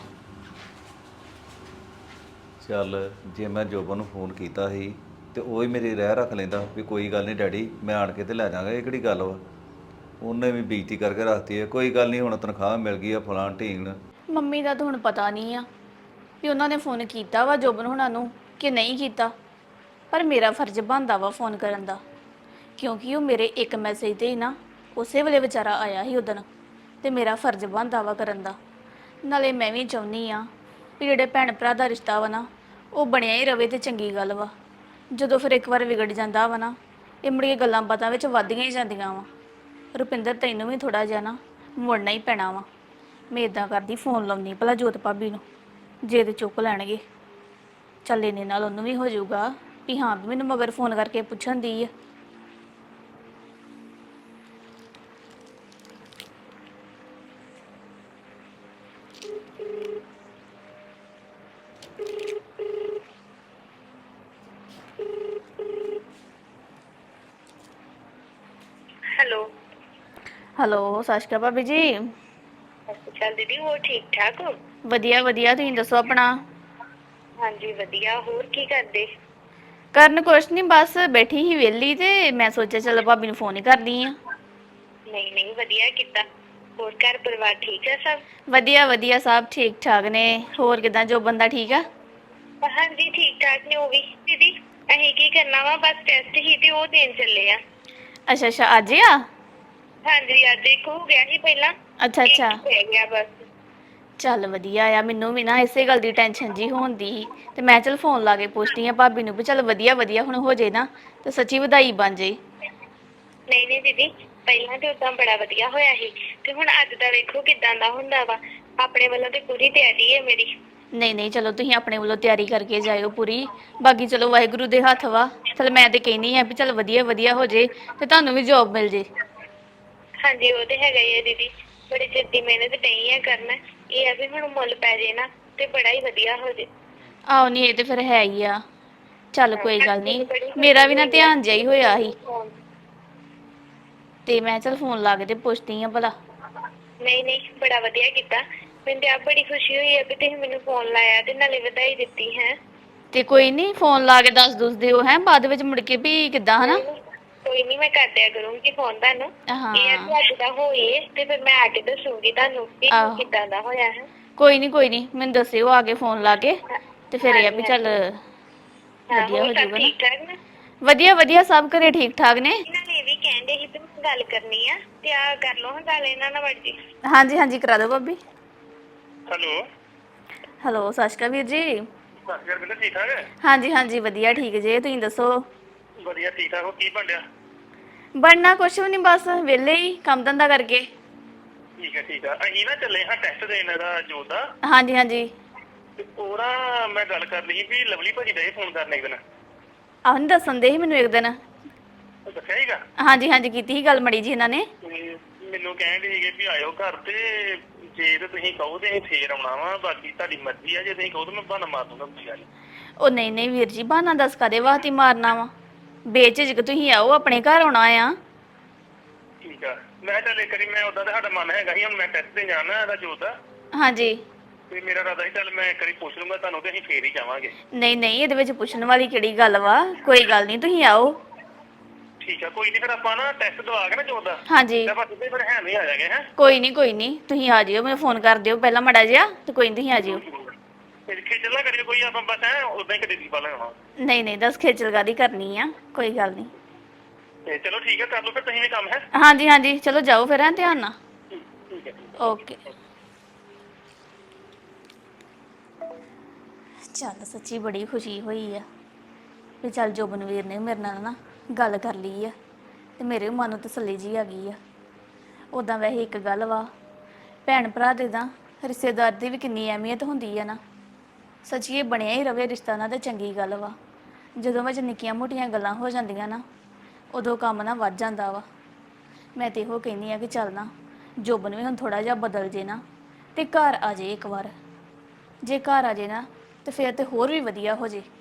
[SPEAKER 7] ਚੱਲ ਜੇ ਮੈਂ ਜੋਬਨ ਨੂੰ ਫੋਨ ਕੀਤਾ ਸੀ ਤੇ ਉਹ ਹੀ ਮੇਰੀ ਰਹਿ ਰੱਖ ਲੈਂਦਾ ਵੀ ਕੋਈ ਗੱਲ ਨਹੀਂ ਡੈਡੀ, ਮੈਂ ਆਣ ਕੇ ਤੇ ਲੈ ਜਾਵਾਂਗਾ। ਇਹ ਕਿਹੜੀ ਗੱਲ ਵਾ? ਉਹਨੇ ਵੀ ਬੇਇੱਜ਼ਤੀ ਕਰਕੇ ਰੱਖਤੀ ਹੈ। ਕੋਈ ਗੱਲ ਨਹੀਂ, ਹੁਣ ਤਨਖਾਹ ਮਿਲ ਗਈ ਆ ਫਲਾਂ ਢੀਂਗ।
[SPEAKER 4] ਮੰਮੀ ਦਾ ਤਾਂ ਹੁਣ ਪਤਾ ਨਹੀਂ ਆ ਵੀ ਉਹਨਾਂ ਨੇ ਫੋਨ ਕੀਤਾ ਵਾ ਜੋਬਨ ਹੁਣਾਂ ਨੂੰ ਕਿ ਨਹੀਂ ਕੀਤਾ, ਪਰ ਮੇਰਾ ਫਰਜ਼ ਬਣਦਾ ਵਾ ਫੋਨ ਕਰਨ ਦਾ, ਕਿਉਂਕਿ ਉਹ ਮੇਰੇ ਇੱਕ ਮੈਸੇਜ ਤੇ ਹੀ ਨਾ ਉਸੇ ਵੇਲੇ ਵਿਚਾਰਾ ਆਇਆ ਸੀ ਉਦਣ, ਤੇ ਮੇਰਾ ਫਰਜ਼ ਬਣਦਾ ਵਾ ਕਰਨ ਦਾ। ਨਾਲੇ ਮੈਂ ਵੀ ਚਾਹੁੰਦੀ ਆ ਵੀ ਜਿਹੜੇ ਭੈਣ ਭਰਾ ਦਾ ਰਿਸ਼ਤਾ ਵਾ ਨਾ ਉਹ ਬਣਿਆ ਹੀ ਰਵੇ ਤੇ ਚੰਗੀ ਗੱਲ ਵਾ। ਜਦੋਂ ਫਿਰ ਇੱਕ ਵਾਰ ਵਿਗੜ ਜਾਂਦਾ ਵਾ ਨਾ, ਇਹ ਮੁੜ ਕੇ ਗੱਲਾਂ ਬਾਤਾਂ ਵਿੱਚ ਵੱਧਦੀਆਂ ਹੀ ਜਾਂਦੀਆਂ ਵਾ। ਰੁਪਿੰਦਰ, ਤੈਨੂੰ ਵੀ ਥੋੜਾ ਜਿਹਾ ਨਾ ਮੁੜਨਾ ਹੀ ਪੈਣਾ ਵਾ। ਮੈਂ ਇਦਾਂ ਕਰਦੀ, ਫੋਨ ਲਾਉਣੀ ਭਲਾ ਜੋਤ ਭਾਬੀ ਨੂੰ, ਜੇ ਤੇ ਚੁੱਕ ਲੈਣਗੇ ਚੱਲ ਇਹਨੇ ਨਾਲ ਉਹਨੂੰ ਵੀ ਹੋ ਜਾਊਗਾ ਵੀ ਹਾਂ ਵੀ ਮੈਨੂੰ ਮਗਰ ਫੋਨ ਕਰਕੇ ਪੁੱਛਣ ਦੀ ਆ।
[SPEAKER 5] ਹੈਲੋ।
[SPEAKER 4] ਹੈਲੋ, ਸਤਿ ਸ਼੍ਰੀ ਅਕਾਲ ਭਾਬੀ ਜੀ।
[SPEAKER 5] ਚੱਲ ਦੀਦੀ ਹੋਰ ਠੀਕ ਠਾਕ ਹੋ?
[SPEAKER 4] ਵਧੀਆ ਵਧੀਆ, ਤੁਸੀਂ ਦੱਸੋ ਆਪਣਾ।
[SPEAKER 5] ਹਾਂਜੀ ਵਧੀਆ। ਹੋਰ ਕੀ ਕਰਦੇ?
[SPEAKER 4] ਕਰਨ ਕੁਛ ਨਹੀਂ, ਬਸ ਬੈਠੀ ਸੀ ਵਿਹਲੀ ਤੇ ਮੈਂ ਸੋਚਿਆ ਚਲੋ ਭਾਬੀ ਨੂੰ ਫੋਨ ਹੀ ਕਰਦੀ ਆ।
[SPEAKER 5] ਨਹੀਂ ਨਹੀਂ, ਵਧੀਆ ਕੀਤਾ। ਹੋਰ ਘਰ ਪਰਿਵਾਰ ਠੀਕ ਹੈ ਸਭ?
[SPEAKER 4] ਵਧੀਆ ਵਧੀਆ, ਸਭ ਠੀਕ ਠਾਕ ਨੇ। ਹੋਰ ਕਿਦਾਂ, ਜੋ ਬੰਦਾ ਠੀਕ ਆ?
[SPEAKER 5] ਹਾਂਜੀ ਠੀਕ ਠਾਕ ਨੇ ਉਹ ਵੀ। ਦੀਦੀ ਅਸੀਂ ਕੀ ਕਰਨਾ ਵਾ, ਬਸ ਟੈਸਟ ਹੀ ਤੇ ਉਹ ਦੇਣ ਚੱਲੇ ਆ।
[SPEAKER 4] ਅੱਛਾ ਅੱਛਾ, ਅੱਜ ਆ?
[SPEAKER 5] ਹਾਂਜੀ ਅੱਜ ਇੱਕ ਹੋ ਗਿਆ ਸੀ ਪਹਿਲਾਂ,
[SPEAKER 4] ਅੱਛਾ ਅੱਛਾ,
[SPEAKER 5] ਇੱਕ ਰਹਿ ਗਿਆ ਬਸ।
[SPEAKER 4] ਚੱਲ ਵਧੀਆ ਆ। ਮੈਨੂੰ ਵੀ ਨਾ ਇਸੇ ਗੱਲ ਦੀ ਟੈਨਸ਼ਨ ਜੀ ਹੋਣਦੀ ਸੀ ਤੇ ਮੈਂ ਚਲ ਫੋਨ ਲਾ ਕੇ ਪੁੱਛਦੀ ਆ ਭਾਬੀ ਨੂੰ ਵੀ ਚੱਲ ਵਧੀਆ ਵਧੀਆ ਹੁਣ ਹੋ ਜੇ ਨਾ ਤੇ ਸੱਚੀ ਵਧਾਈ ਬਣ ਜੇ।
[SPEAKER 5] ਨਹੀਂ ਨਹੀਂ ਦੀਦੀ, ਪਹਿਲਾਂ ਤੇ ਉਦਾਂ ਬੜਾ ਵਧੀਆ ਹੋਇਆ ਸੀ ਤੇ ਹੁਣ ਅੱਜ ਦਾ ਵੇਖੋ ਕਿਦਾਂ ਦਾ ਹੁੰਦਾ ਵਾ। ਆਪਣੇ ਵੱਲੋਂ ਤੇ ਪੂਰੀ ਤਿਆਰੀ ਹੈ ਮੇਰੀ।
[SPEAKER 4] ਨਹੀਂ ਨਹੀਂ, ਚਲੋ ਤੁਸੀਂ ਆਪਣੇ ਵੱਲੋਂ ਤਿਆਰੀ ਕਰਕੇ ਜਾਇਓ ਪੂਰੀ। ਬਾਕੀ ਚਲੋ ਵਾਹਿਗੁਰੂ ਦੇ ਹੱਥ ਵਾ। ਚਲ ਮੈਂ ਤੇ ਕਹਿੰਦੀ ਆ ਵੀ ਚੱਲ ਵਧੀਆ ਵਧੀਆ ਹੋ ਜੇ ਤੇ ਤੁਹਾਨੂੰ ਵੀ ਜੋਬ ਮਿਲ ਜੇ।
[SPEAKER 5] ਹਾਂਜੀ ਉਹ ਤੇ ਹੈਗਾ ਹੀ ਹੈ ਦੀਦੀ, ਬੜੀ ਚਿਰ ਦੀ ਮਿਹਨਤ ਨਹੀਂ ਆ ਕਰਨਾ। ਇਹ ਆ ਵੀ ਹੁਣ ਮੁੱਲ ਪੈ ਜੇ ਨਾ ਤੇ ਬੜਾ ਹੀ ਵਧੀਆ ਹੋ ਜੇ।
[SPEAKER 4] ਆਹੋ ਨਹੀਂ, ਇਹ ਤੇ ਫਿਰ ਹੈ ਹੀ ਆ। ਚੱਲ ਕੋਈ ਗੱਲ
[SPEAKER 5] ਅੱਜ
[SPEAKER 4] ਨਹੀਂ,
[SPEAKER 5] ਬੜੀ
[SPEAKER 4] ਮੇਰਾ
[SPEAKER 5] ਖੁਸ਼ੀ
[SPEAKER 4] ਵੀ ਨਾ
[SPEAKER 5] ਹੋਈ ਆ
[SPEAKER 4] ਧਿਆਨ ਜਿਹਾ ਹੀ ਹੋਇਆ ਸੀ
[SPEAKER 5] ਹਾਂ।
[SPEAKER 4] ਤੇ ਮੈਂ ਚਲ ਫੋਨ ਲਾ ਕੇ ਤੇ ਪੁੱਛਦੀ ਆ ਭਲਾ।
[SPEAKER 5] ਨਹੀਂ ਨਹੀਂ, ਬੜਾ ਵਧੀਆ ਕੀਤਾ। ਮੈਨੂੰ ਤੇ ਆਪ ਬੜੀ ਖੁਸ਼ੀ ਹੋਈ ਹੈ ਵੀ ਤੁਸੀਂ ਮੈਨੂੰ ਫੋਨ ਲਾਇਆ ਤੇ ਨਾਲੇ ਵਧਾਈ ਦਿੱਤੀ ਹੈ।
[SPEAKER 4] ਤੇ ਕੋਈ ਨਹੀਂ, ਫੋਨ ਲਾ ਕੇ ਦੱਸ ਦਿਓ ਹੈ ਬਾਅਦ ਵਿੱਚ ਮੁੜ ਕੇ ਵੀ ਕਿੱਦਾਂ, ਹਨਾ।
[SPEAKER 5] ਨਹੀਂ ਨਹੀਂ, ਕੋਈ ਨਹੀਂ ਮੈਂ ਕਰ ਦਿਆ ਕਰੂੰਗੀ ਫੋਨ ਤੁਹਾਨੂੰ। ਇਹ ਆ
[SPEAKER 4] ਹਾਂ
[SPEAKER 5] ਕਿ ਅੱਜ ਦਾ ਹੋਏ ਤੇ ਫਿਰ ਮੈਂ ਆ ਕੇ ਦੱਸੂਗੀ ਤੁਹਾਨੂੰ ਵੀ
[SPEAKER 4] ਆਹੋ,
[SPEAKER 5] ਕਿੱਦਾਂ ਦਾ ਹੋਇਆ ਹੈ।
[SPEAKER 4] ਕੋਈ ਨਹੀਂ ਮੈਨੂੰ ਦੱਸਿਓ ਆ ਕੇ ਫੋਨ ਲਾ ਕੇ ਤੇ ਫਿਰ ਇਹ ਆ
[SPEAKER 5] ਹਾਂਜੀ
[SPEAKER 4] ਵੀ ਚੱਲ
[SPEAKER 5] ਹਾਂਜੀ। ਹਾਂ
[SPEAKER 4] ਵਧੀਆ
[SPEAKER 5] ਹੋਰ
[SPEAKER 4] ਹੋ
[SPEAKER 5] ਸਭ
[SPEAKER 4] ਜਾਊਗਾ ਨਾ।
[SPEAKER 5] ਠੀਕ ਠਾਕ ਨਾ?
[SPEAKER 4] ਵਧੀਆ ਵਧੀਆ, ਸਭ ਘਰੇ ਠੀਕ ਠਾਕ ਨੇ।
[SPEAKER 5] ਇਹਨਾਂ ਨੇ ਇਹ ਵੀ ਕਹਿੰਦੇ ਸੀ ਵੀ ਮੈਂ ਗੱਲ ਕਰਨੀ ਆ ਤੇ ਆ ਕਰ ਲਓ ਹਾਂ ਗੱਲ ਇਹਨਾਂ ਨਾਲ ਵੜ ਜੀ।
[SPEAKER 4] ਹਾਂਜੀ ਹਾਂਜੀ, ਕਰਾ ਦਿਓ ਭਾਬੀ।
[SPEAKER 2] ਹੈਲੋ।
[SPEAKER 4] ਹੈਲੋ, ਸਤਿ ਸ਼੍ਰੀ ਅਕਾਲ ਵੀਰ ਜੀ।
[SPEAKER 2] ਸਤਿ ਸ਼੍ਰੀ ਅਕਾਲ, ਠੀਕ ਠਾਕ?
[SPEAKER 4] ਹਾਂਜੀ ਹਾਂਜੀ, ਵਧੀਆ ਠੀਕ ਜੇ, ਤੁਸੀਂ ਦੱਸੋ?
[SPEAKER 2] ਵਧੀਆ ਠੀਕ ਠਾਕ। ਹੋ ਕੀ ਬਣਿਆ?
[SPEAKER 4] ਬਣਨਾ ਕੁਛ ਵੀ ਨਹੀਂ, ਬਸ ਵਿਹਲੇ ਹੀ ਕੰਮ ਧੰਦਾ ਕਰਕੇ।
[SPEAKER 2] ਠੀਕ ਹੈ ਠੀਕ ਆ। ਅਸੀਂ ਨਾ ਚੱਲੇ ਹਾਂ ਟੈਸਟ ਦੇਣ ਇਹਦਾ ਜੋਤ ਦਾ।
[SPEAKER 4] ਹਾਂਜੀ ਹਾਂਜੀ,
[SPEAKER 2] ਤੇ ਉਹ ਨਾ ਮੈਂ ਗੱਲ ਕਰ ਲਈ ਵੀ ਲਵਲੀ ਭਾਜੀ ਦਾ ਫੋਨ ਕਰਨ ਇੱਕ ਦਿਨ।
[SPEAKER 4] ਆਹ ਨਹੀਂ ਦੱਸਣ ਦੇ ਸੀ ਮੈਨੂੰ ਇੱਕ ਦਿਨ।
[SPEAKER 2] ਉਹ ਦੱਸਿਆ ਸੀਗਾ?
[SPEAKER 4] ਹਾਂਜੀ ਹਾਂਜੀ, ਕੀਤੀ ਸੀ ਗੱਲ ਮੜੀ ਜੀ ਇਹਨਾਂ ਨੇ।
[SPEAKER 2] ਤੇ ਮੈਨੂੰ ਕਹਿਣ ਦੇ ਸੀਗੇ ਵੀ ਆਇਓ ਘਰ ਤੇ ਜੇ ਤੇ ਤੁਸੀਂ ਕਹੋ ਤੇ ਅਸੀਂ ਫੇਰ ਆਉਣਾ ਵਾ, ਬਾਕੀ ਤੁਹਾਡੀ ਮਰਜ਼ੀ ਆ। ਜੇ ਤੁਸੀਂ ਕਹੋ ਤਾਂ ਮੈਂ ਬਹਾਨਾ ਮਾਰ ਦੂੰਗਾ, ਕੋਈ ਗੱਲ ਨੀ।
[SPEAKER 4] ਉਹ ਨਹੀਂ ਨਹੀਂ ਵੀਰ ਜੀ, ਬਹਾਨਾ ਦੱਸ ਕਾਹਦੇ ਵਾਸਤੇ ਮਾਰਨਾ ਵਾ। ਬੇਝਿਜਕ ਤੁਸੀਂ ਆਓ, ਆਪਣੇ ਘਰ ਆਉਣਾ ਆ।
[SPEAKER 2] ਠੀਕ ਆ। ਮੈਂ ਚੱਲ ਇੱਕ ਵਾਰੀ, ਮੈਂ ਉਦਾਂ ਤਾਂ ਸਾਡਾ ਮਨ ਹੈਗਾ ਸੀ, ਹੁਣ ਮੈਂ ਟੈਸਟ ਤੇ ਜਾਣਾ ਇਹਦਾ ਜੋਤ ਦਾ
[SPEAKER 4] ਹਾਂਜੀ,
[SPEAKER 2] ਤੇ ਮੇਰਾ ਇਰਾਦਾ ਸੀ ਚੱਲ ਮੈਂ ਇੱਕ ਵਾਰੀ ਪੁੱਛ ਲੂੰਗਾ ਤੁਹਾਨੂੰ ਤੇ ਅਸੀਂ ਫੇਰ ਹੀ ਜਾਵਾਂਗੇ।
[SPEAKER 4] ਨਹੀਂ ਨਹੀਂ, ਇਹਦੇ ਵਿੱਚ ਪੁੱਛਣ ਵਾਲੀ ਕਿਹੜੀ ਗੱਲ ਵਾ। ਕੋਈ ਗੱਲ ਨਹੀਂ, ਤੁਸੀਂ ਆਓ।
[SPEAKER 2] ਠੀਕ ਆ, ਕੋਈ ਨਹੀਂ। ਫਿਰ ਆਪਾਂ ਨਾ ਟੈਸਟ ਦਵਾ ਕੇ ਨਾ ਜੋਤ ਦਾ
[SPEAKER 4] ਹਾਂਜੀ,
[SPEAKER 2] ਤੇ ਆਪਾਂ ਸਿੱਧੇ ਫਿਰ ਹੈ ਨਹੀਂ ਆ ਜਾਗੇ। ਹੈ
[SPEAKER 4] ਕੋਈ ਨਹੀਂ, ਤੁਸੀਂ ਆ ਜਿਓ, ਮੈਨੂੰ ਫੋਨ ਕਰ ਦਿਓ ਪਹਿਲਾਂ ਮਾੜਾ ਜਿਹਾ ਤੇ ਕੋਈ ਨਹੀਂ, ਤੁਸੀਂ ਆ ਜਿਓ।
[SPEAKER 2] ਫਿਰ ਖੇਚਲ ਨਾ ਕਰਿਓ ਕੋਈ, ਆਪਾਂ ਬਸ ਹੈ ਉਦਾਂ ਹੀ ਕਦੇ ਦੀ ਪਾ ਲੈਣਾ।
[SPEAKER 4] ਨਹੀਂ ਨਹੀਂ, ਦੱਸ ਖੇਚਲ ਕਾਹਦੀ ਕਰਨੀ ਆ, ਕੋਈ ਗੱਲ ਨਹੀਂ।
[SPEAKER 2] ਤੇ ਚਲੋ ਠੀਕ ਹੈ, ਕਰ ਲਓ ਫਿਰ ਤੁਸੀਂ ਵੀ ਕੰਮ। ਹੈ
[SPEAKER 4] ਹਾਂਜੀ ਹਾਂਜੀ, ਚਲੋ ਜਾਓ ਫਿਰ, ਹੈ ਧਿਆਨ ਨਾਲ।
[SPEAKER 2] ਠੀਕ ਹੈ।
[SPEAKER 4] ਓਕੇ। ਚੱਲ ਸੱਚੀ ਬੜੀ ਖੁਸ਼ੀ ਹੋਈ ਆ ਵੀ ਚੱਲ ਜੋਬਨਵੀਰ ਨੇ ਮੇਰੇ ਨਾਲ ਨਾ ਗੱਲ ਕਰ ਲਈ ਆ ਤੇ ਮੇਰੇ ਮਨ ਨੂੰ ਤਸੱਲੀ ਜੀ ਆ ਗਈ ਆ। ਉੱਦਾਂ ਵੈਸੇ ਇੱਕ ਗੱਲ ਵਾ, ਭੈਣ ਭਰਾ ਦੇ ਤਾਂ ਰਿਸ਼ਤੇਦਾਰ ਦੀ ਵੀ ਕਿੰਨੀ ਅਹਿਮੀਅਤ ਹੁੰਦੀ ਆ ਨਾ। ਸੱਚੀ ਇਹ ਬਣਿਆ ਹੀ ਰਵੇ ਰਿਸ਼ਤਾ ਨਾ ਤੇ ਚੰਗੀ ਗੱਲ ਵਾ। ਜਦੋਂ ਵਿੱਚ ਨਿੱਕੀਆਂ ਮੋਟੀਆਂ ਗੱਲਾਂ ਹੋ ਜਾਂਦੀਆਂ ਨਾ, ਉਦੋਂ ਕੰਮ ਨਾ ਵੱਧ ਜਾਂਦਾ ਵਾ। ਮੈਂ ਤੇ ਇਹੋ ਕਹਿੰਦੀ ਆ ਕਿ ਚੱਲ ਨਾ ਜੋਬਨ ਵੀ ਹੁਣ ਥੋੜਾ ਜਿਹਾ ਬਦਲ ਜੇ ਨਾ ਤੇ ਘਰ ਆ ਜੇ ਇੱਕ ਵਾਰ। ਜੇ ਘਰ ਆ ਜੇ ਨਾ ਤੇ ਫਿਰ ਤੇ ਹੋਰ ਵੀ ਵਧੀਆ ਹੋ ਜੇ।